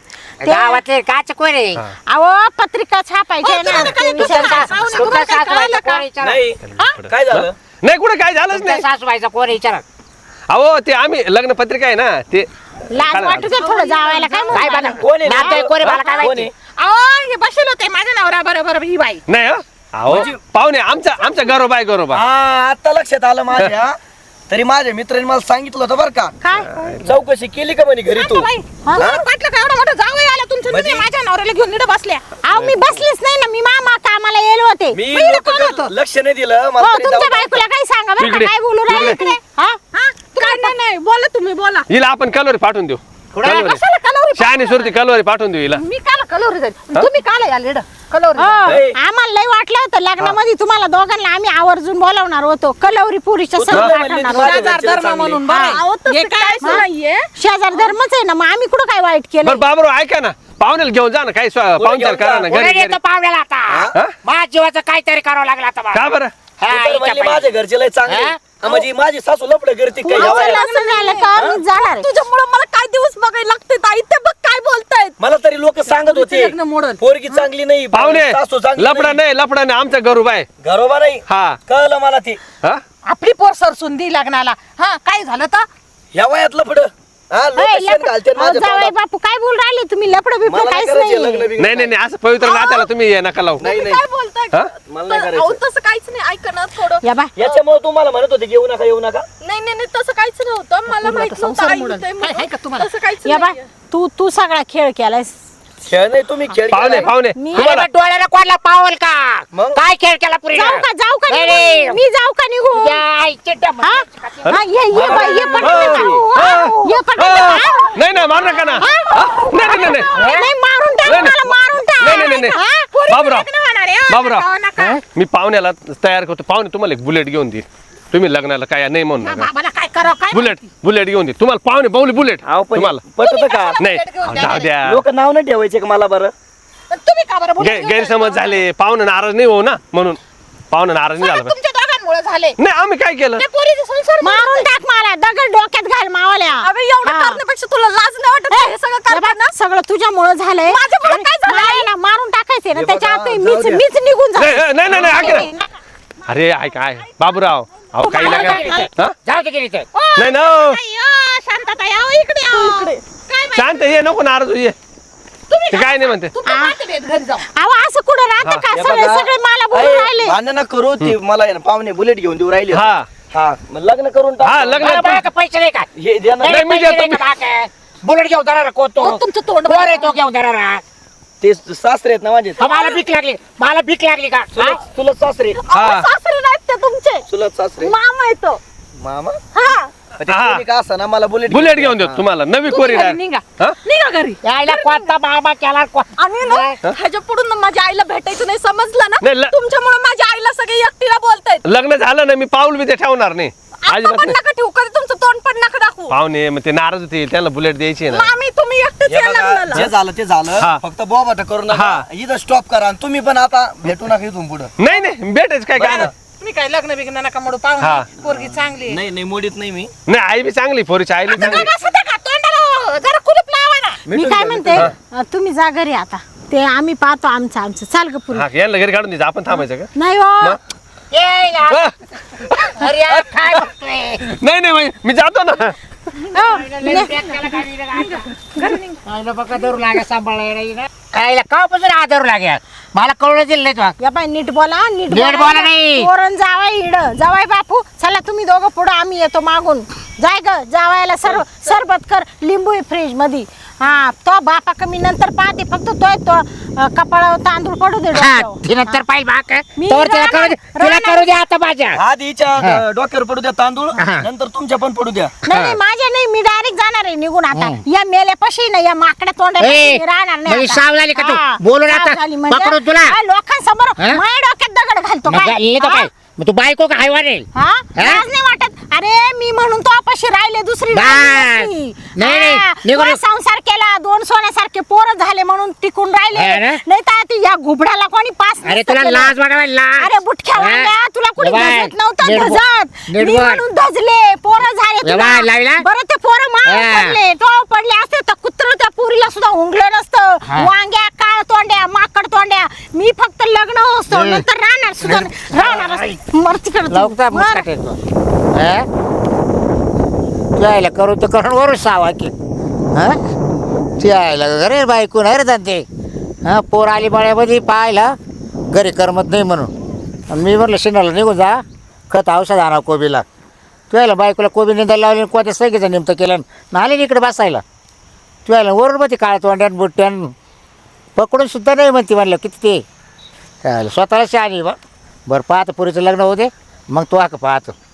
[SPEAKER 1] गावातले काच कोण आहे
[SPEAKER 2] अहो पत्रिका छापायची आहे ना
[SPEAKER 7] तुम्हाला काय
[SPEAKER 2] ते विचारा.
[SPEAKER 7] तुमच्या
[SPEAKER 1] तुमच्या
[SPEAKER 7] काय
[SPEAKER 1] सासूबाईचा
[SPEAKER 7] कळलं का?
[SPEAKER 1] कोण विचारा
[SPEAKER 4] नाही काय झालं
[SPEAKER 6] नाही कुठे काय झालंच
[SPEAKER 1] तुमच्या
[SPEAKER 6] नाही
[SPEAKER 1] सासूबाईचा कोण विचारा
[SPEAKER 6] अहो ते आम्ही लग्न पत्रिका आहे ना ते
[SPEAKER 2] लाज वाटू दे थोडं जावायला काय
[SPEAKER 1] काय
[SPEAKER 2] म्हणू
[SPEAKER 1] बघा
[SPEAKER 4] कोण आहे?
[SPEAKER 1] नातं कोण आहे मला काय
[SPEAKER 4] कोण
[SPEAKER 1] माहिती
[SPEAKER 4] आहे?
[SPEAKER 7] अहो हे बसेल होते माझ्या नवरा बरोबर ही बाई.
[SPEAKER 6] नाही हं? अहो पाहुणे आमचा गरोबा आहे गरोबा
[SPEAKER 4] हा आता लक्षात आलं माझ्या तरी माझ्या मित्राने मला सांगितलं होतं बरं का
[SPEAKER 2] काय
[SPEAKER 4] चौकशी केली का म्हणे घरी तू
[SPEAKER 7] बाई वाटलं का एवढा मोठा जावई आला तुमचं तुम्ही माझ्या नवऱ्याला घेऊन निडं बसल्या.
[SPEAKER 2] अहो मी बसलीच नाही ना मी मामा कामाला येलो होते
[SPEAKER 4] मी
[SPEAKER 7] पहिलं
[SPEAKER 4] लोकं
[SPEAKER 7] कोण होतं?
[SPEAKER 4] लक्ष नाही दिलं
[SPEAKER 2] हो
[SPEAKER 4] मला तरी
[SPEAKER 2] तुमच्या
[SPEAKER 4] जाऊ-
[SPEAKER 2] बायकोला काही सांगा बरं का
[SPEAKER 6] इकडे.
[SPEAKER 2] काय बोलू राहिले
[SPEAKER 6] इकडे.
[SPEAKER 2] इकडे हा
[SPEAKER 7] हा? काय नाही बोला तुम्ही बोला.
[SPEAKER 6] हिला आपण कलोरी पाठवून देऊ कलोरी
[SPEAKER 7] कशाला कलवरी?
[SPEAKER 6] शहाणी सुरती कलोरी पाठवून देऊ हिला
[SPEAKER 7] मी काला कलवरी जाईल तुम्ही काला या लिड कलवरी
[SPEAKER 2] हो,
[SPEAKER 4] ए.
[SPEAKER 2] आम्हाला लय वाटलं होतं लग्नामध्ये तुम्हाला दोघांना आम्ही आवर्जून बोलावणार होतो कलवरी पुरीच्या
[SPEAKER 4] तू
[SPEAKER 2] सर
[SPEAKER 4] तुला म्हणली
[SPEAKER 2] पाठवणार
[SPEAKER 4] ती
[SPEAKER 2] होतो.
[SPEAKER 4] माझ्या
[SPEAKER 7] शेजार
[SPEAKER 4] घरचे
[SPEAKER 7] धर्म
[SPEAKER 4] चांगले.
[SPEAKER 7] म्हणून बरं आहे.
[SPEAKER 3] अहो, तसं
[SPEAKER 7] हे काय
[SPEAKER 3] काहीच नाहीये.
[SPEAKER 2] शेजार धर्मच आहे ना मग आम्ही कुठं काय वाईट केलं
[SPEAKER 6] बरं बाबरो ऐका ना पाहुण्याला घेऊन जा ना काही पाहुणचार
[SPEAKER 4] घेऊन
[SPEAKER 6] करा
[SPEAKER 4] जा?
[SPEAKER 6] ना
[SPEAKER 1] कोणी
[SPEAKER 6] घरी
[SPEAKER 1] येतो पाहुण्याला आता
[SPEAKER 6] हा?
[SPEAKER 1] माझ्या जीवाचं काहीतरी करावं लागलं आता मला.
[SPEAKER 6] का बरं
[SPEAKER 4] तू
[SPEAKER 1] हा,
[SPEAKER 4] तर
[SPEAKER 1] इच्छा
[SPEAKER 4] म्हणली
[SPEAKER 1] पाहिजे.
[SPEAKER 4] माझ्या घरचे लय चांगले
[SPEAKER 1] हा?
[SPEAKER 4] हा, म्हणजे माझी सासू लपड करते काय
[SPEAKER 2] माझं
[SPEAKER 4] या वयात?
[SPEAKER 2] लग्न झालं का मी जाणार आहे.
[SPEAKER 3] तुझ्यामुळे मला काय दिवस बघायला लागते ताई, ते बघ काय बोलतायत.
[SPEAKER 4] मला तरी लोक सांगत होते
[SPEAKER 7] लग्न मोडल.
[SPEAKER 4] पोरगी चांगली नाही
[SPEAKER 6] पाहुणे
[SPEAKER 4] सासू चांगली
[SPEAKER 6] लपडा नाही आमचा गरोबा आहे
[SPEAKER 4] घरोबा नाही
[SPEAKER 6] हा
[SPEAKER 4] कळलं मला ते
[SPEAKER 6] हा
[SPEAKER 7] आपली पोर सरसून दी लग्नाला. हा काय झालं तर
[SPEAKER 4] या वयात लपड हा लोक
[SPEAKER 2] होय,
[SPEAKER 4] शेण घालते
[SPEAKER 2] अहो,
[SPEAKER 4] माझ्या
[SPEAKER 2] जावई
[SPEAKER 4] तोंडात.
[SPEAKER 2] बापू काय बोल राहिले तुम्ही लपड बिपड
[SPEAKER 4] मला नाही
[SPEAKER 2] काहीच
[SPEAKER 4] करायचे
[SPEAKER 2] नाही
[SPEAKER 4] लग्न बिग्न.
[SPEAKER 6] नाही असं पवित्र नात्याला तुम्ही हे नका लावू
[SPEAKER 4] नाही
[SPEAKER 3] तुम्ही
[SPEAKER 4] नाही
[SPEAKER 3] काय बोलताय
[SPEAKER 6] हा?
[SPEAKER 4] मला नाही
[SPEAKER 3] तर-
[SPEAKER 4] करायचं.
[SPEAKER 3] अहो, तसं काहीच नाही, ऐका ना थोडं.
[SPEAKER 2] या बा
[SPEAKER 4] याच्यामुळे तुम्हाला म्हणत होते येऊ नका
[SPEAKER 3] नाही तसं काहीच नव्हतं, मला माहित नव्हतं
[SPEAKER 7] संसार
[SPEAKER 3] आई
[SPEAKER 7] मोडल.
[SPEAKER 3] होतंय
[SPEAKER 7] हाय का
[SPEAKER 3] म्हणून.
[SPEAKER 7] तुम्हाला?
[SPEAKER 3] तसं काहीच
[SPEAKER 2] या बा
[SPEAKER 3] नाहीये.
[SPEAKER 2] तू सगळा खेळ केलायस.
[SPEAKER 4] खेळ नाही तुम्ही खेळ
[SPEAKER 6] पाहुणे
[SPEAKER 4] केलाय.
[SPEAKER 6] पाहुणे
[SPEAKER 2] मी
[SPEAKER 1] अरे मग डोळ्याला कोणला पावल का
[SPEAKER 4] मग?
[SPEAKER 1] काय खेळ केला पुरी
[SPEAKER 2] जाऊ का निघून? मी जाऊ का निघून? हा? हा, ये बाई, ये पटकन जाऊ. हा, ये पटकन जाऊ. हा?
[SPEAKER 6] नाही नाही मारू नका ना हा? नाही नाही नाही
[SPEAKER 2] नाही, मारून टाक
[SPEAKER 6] नाही,
[SPEAKER 2] मला, मारून टाक.
[SPEAKER 6] नाही, नाही, नाही.
[SPEAKER 2] हा?
[SPEAKER 6] बाबूराव
[SPEAKER 7] होणार आहे, हो,
[SPEAKER 6] बाबूराव
[SPEAKER 7] नका, नका.
[SPEAKER 6] मी पाहुण्याला तयार करतो. पाहुणे तुम्हाला एक बुलेट घेऊन देईल. तुम्ही लग्नाला काय नाही म्हणू
[SPEAKER 7] या
[SPEAKER 6] नका.
[SPEAKER 7] बाबाला काय करावं काय
[SPEAKER 6] बुलेट घेऊन देईल तुम्हाला. पाहुणे बाहुली बुलेट
[SPEAKER 4] अहो, पण
[SPEAKER 6] तुम्हाला
[SPEAKER 4] पटत का
[SPEAKER 6] नाही
[SPEAKER 7] बुलेट घेऊन द्या.
[SPEAKER 6] जाऊ द्या
[SPEAKER 4] लोक नाव नाही ठेवायचे का मला बरं?
[SPEAKER 7] तुम्ही का बरं बोलत घेऊन
[SPEAKER 6] गैरसमज
[SPEAKER 7] जायचं?
[SPEAKER 6] झाले. पाहुणे नाराज नाही हो ना म्हणून. पाहुणे नाराज नाही झाला
[SPEAKER 7] सगळं तुमच्या दोघांमुळे झाले
[SPEAKER 6] नाही आम्ही काय केलं.
[SPEAKER 7] त्या पोरीचे संसार
[SPEAKER 2] मारून टाक मला, दगड डोक्यात घाल मावाल्या.
[SPEAKER 3] अगं एवढं
[SPEAKER 2] हा.
[SPEAKER 3] करण्यापेक्षा तुला लाज नाही वाटत का हे सगळं
[SPEAKER 2] हे बघ,
[SPEAKER 3] करताना?
[SPEAKER 2] सगळं तुझ्यामुळं झालंय.
[SPEAKER 3] माझ्यामुळं काय झालंय?
[SPEAKER 2] मला ना मारून टाकायचंय ना,
[SPEAKER 4] हे
[SPEAKER 2] त्याच्या
[SPEAKER 4] बघा,
[SPEAKER 2] आत
[SPEAKER 4] जाऊ द्या.
[SPEAKER 2] मीच निघून
[SPEAKER 6] नाही
[SPEAKER 2] जा.
[SPEAKER 6] नाही नाही ऐक ना. अरे ऐक काय बाबूराव अहो काही नका हा?
[SPEAKER 1] जाऊ दे गेली तर
[SPEAKER 6] नाही ना
[SPEAKER 7] शांतता यावं इकडे यावं. काय माहिती?
[SPEAKER 6] शांत ये नको नाराज होऊ ये.
[SPEAKER 7] तुम्ही
[SPEAKER 6] ते काय नाही म्हणते
[SPEAKER 7] तुमचं पाहते मी घरी जाऊ
[SPEAKER 2] अहो, असं कुठं राहतं का?
[SPEAKER 4] हे
[SPEAKER 2] सगळे
[SPEAKER 4] बघा,
[SPEAKER 2] सगळे मला बोलून
[SPEAKER 4] अरे,
[SPEAKER 2] राहिले.
[SPEAKER 4] भांडण नका करू ते मला आहे ना पाहुणे बुलेट घेऊन देऊ राहिले.
[SPEAKER 6] हा
[SPEAKER 4] हा मग लग्न करून टाक.
[SPEAKER 6] हा लग्न
[SPEAKER 1] मला बाळा का पैसे नाही का
[SPEAKER 4] हे द्या ना.
[SPEAKER 6] नाही, मी
[SPEAKER 1] पैसे
[SPEAKER 6] देतो,
[SPEAKER 1] नाही का बाळा? बुलेट घेऊन जाणार कोतो
[SPEAKER 7] अहो, तुमचं तोंड
[SPEAKER 1] कोण आहे तो घेऊन जाणार
[SPEAKER 4] ते सासरे आहेत ना माझे.
[SPEAKER 1] मला भीक लागली का हा?
[SPEAKER 4] चुलत सासरे.
[SPEAKER 6] हा
[SPEAKER 3] सासरे नाहीत ते तुमचे,
[SPEAKER 4] चुलत सासरे.
[SPEAKER 3] मामा येतो.
[SPEAKER 4] मामा
[SPEAKER 3] हा
[SPEAKER 4] ते
[SPEAKER 6] हा.
[SPEAKER 4] कोणी का असा ना मला बुलेट
[SPEAKER 6] बुलेट घेऊन देतो तुम्हाला नवी कोरी
[SPEAKER 7] घरी निघा
[SPEAKER 6] हा
[SPEAKER 7] निघा घरी
[SPEAKER 1] यायला कोणता बाबा केला
[SPEAKER 3] आणि ना ह्याच्या पुढून ना माझ्या आईला भेटायचं नाही समजलं
[SPEAKER 6] नाही,
[SPEAKER 3] ना. तुमच्यामुळे माझ्या आईला सगळे एकटीला बोलतायत.
[SPEAKER 6] लग्न झालं ना मी पाऊल बी ते ठेवणार नाही
[SPEAKER 3] आता
[SPEAKER 6] अजिबात
[SPEAKER 3] पण
[SPEAKER 6] नाही.
[SPEAKER 3] नका ठेवू, कधी तुमचं तोंड पण नका दाखवू.
[SPEAKER 6] पाहुणे मग ते नाराज होते त्यांना बुलेट द्यायची आहे ना
[SPEAKER 3] मामी तुम्ही एकटेच
[SPEAKER 4] हे
[SPEAKER 3] या
[SPEAKER 4] बघा,
[SPEAKER 3] लग्नाला.
[SPEAKER 4] जे झालं ते झालं.
[SPEAKER 6] हा.
[SPEAKER 4] फक्त बोबाटा करू नका.
[SPEAKER 6] हा.
[SPEAKER 4] इथं स्टॉप करा आणि तुम्ही पण आता भेटू नका इथून पुढं.
[SPEAKER 6] नाही नाही भेटायचं काय काय नाही.
[SPEAKER 7] तुम्ही काय लग्न बिग्न नका मोडू
[SPEAKER 6] हा.
[SPEAKER 7] पाहून पोरगी चांगली आहे.
[SPEAKER 4] नाही नाही मोडीत नाही मी.
[SPEAKER 6] नाही आई बी चांगली पोरीची आई बी चांगली
[SPEAKER 7] बसा त्या का तोंडाला जरा कुलूप लावा ना
[SPEAKER 2] मी काय म्हणते, तुम्ही जा घरी आता. ते आम्ही पाहतो आमचं चाल ग पुरी.
[SPEAKER 6] हा यांना घरी काढून द्यायचं आपण थांबायचं का
[SPEAKER 2] नाही हो,
[SPEAKER 6] मग?
[SPEAKER 1] यायला
[SPEAKER 6] हा.
[SPEAKER 1] अरे यार, काय बघतोय
[SPEAKER 6] नाही नाही बाई, मी जातो ना
[SPEAKER 1] खायला बघा धरू लागे सांभाळायला खायला कापासून हा धरू लागे मला कळलं दिलं नाही तुला
[SPEAKER 2] या बाई नीट बोला, नीट
[SPEAKER 1] नीट बोला नाही.
[SPEAKER 2] पोरण जावाय इड जावाय बापू, चला तुम्ही दोघं पुढं, आम्ही येतो मागून. जाय ग जावायला सरबत कर, लिंबू आहे फ्रीज मध्ये. हा तो बापा कमी नंतर पाहते, फक्त तो कपाळावर तांदूळ पडू दे
[SPEAKER 1] हा
[SPEAKER 2] डोक्यावर.
[SPEAKER 1] ती नंतर पाहिजे बाक
[SPEAKER 2] मी
[SPEAKER 1] तर तिला करू दे तिला
[SPEAKER 2] राहणार-
[SPEAKER 1] करू दे आता माझ्या
[SPEAKER 4] आधी हिच्या डोक्यावर पडू द्या तांदूळ,
[SPEAKER 1] हा.
[SPEAKER 4] नंतर तुमच्या पण पडू द्या.
[SPEAKER 2] नाही नाही, माझ्या नाही, मी डायरेक्ट जाणार आहे निघून आता. या मेल्यापाशी ना, या माकड्या तोंडापाशी मी राहणार नाही
[SPEAKER 1] म्हणजे
[SPEAKER 2] आता.
[SPEAKER 1] साव झाली का तू
[SPEAKER 2] हा,
[SPEAKER 1] बोलून
[SPEAKER 2] साव
[SPEAKER 1] आता
[SPEAKER 2] झाली म्हणजे
[SPEAKER 1] पकडून तुला
[SPEAKER 2] काय लोकांसमोर
[SPEAKER 1] हा?
[SPEAKER 2] माझ्या डोक्यात दगड घालतो
[SPEAKER 1] मग
[SPEAKER 2] काय?
[SPEAKER 1] लिहिलं तर
[SPEAKER 2] हा?
[SPEAKER 1] काय मग तू बायको का हायवा रे
[SPEAKER 2] हा? लाज नाही वाटत? अरे मी म्हणून तो अपाशी राहिले, दुसरी
[SPEAKER 1] बस.
[SPEAKER 2] राहिली नसती.
[SPEAKER 1] नाही, नाही,
[SPEAKER 2] हा,
[SPEAKER 1] निघून-
[SPEAKER 2] तुला संसार केला, 2 सोन्यासारखे पोरं झाले म्हणून टिकून
[SPEAKER 1] हा
[SPEAKER 2] राहिले.
[SPEAKER 1] ना?
[SPEAKER 2] नाही तर या घुबडाला कोणी पास
[SPEAKER 1] अरे
[SPEAKER 2] नसतं
[SPEAKER 1] तुला
[SPEAKER 2] केलं.
[SPEAKER 1] लाज वाटावा लाज
[SPEAKER 2] अरे बुटक्या
[SPEAKER 1] हा?
[SPEAKER 2] वांग्या, तुला कुणी
[SPEAKER 1] ये बाय,
[SPEAKER 2] धजत नव्हतं,
[SPEAKER 1] नीट बोल.
[SPEAKER 2] धजत
[SPEAKER 1] नीट
[SPEAKER 2] मी
[SPEAKER 1] बोल.
[SPEAKER 2] म्हणून धजले, पोरं झाले
[SPEAKER 1] ये
[SPEAKER 2] तुला.
[SPEAKER 1] बाय, लावला?
[SPEAKER 2] बरं ते पोरं मार
[SPEAKER 1] हा.
[SPEAKER 2] पडले, तो पडले असते तर कुत्र त्या पोरीला सुद्धा हुंगलं नसतं.
[SPEAKER 1] हा.
[SPEAKER 2] वांग्या, काळ तोंड्या, माकड तोंड्या, मी फक्त लग्न असतो, नंतर राहणार सुद्धा नाही. राहणार मर तिकडे तू.
[SPEAKER 1] लवकर
[SPEAKER 2] मर.
[SPEAKER 1] मुस्काट येतो यायला करू तर करून वरून सावा की हा ती यायला घरी बायकून आहे रे ते हा पोर आली बाळ्यामध्ये पाहायला घरी करमत नाही म्हणून आणि मी म्हटलं शिनाला निघून जा खत औषध आणा कोबीला तू यायला बायकोला कोबी निंदायला लावली कोणत्या सगळीचं निमतं केलं ना आले इकडे बसायला तू यायला वरून मग ती काळ्या तोंड्यान बुट्ट्यान पकडून सुद्धा नाही म्हणते म्हणलं किती ते यायला स्वतःला शहाणी बरं पाहतं पुरीचं लग्न होते मग तो का पाहतो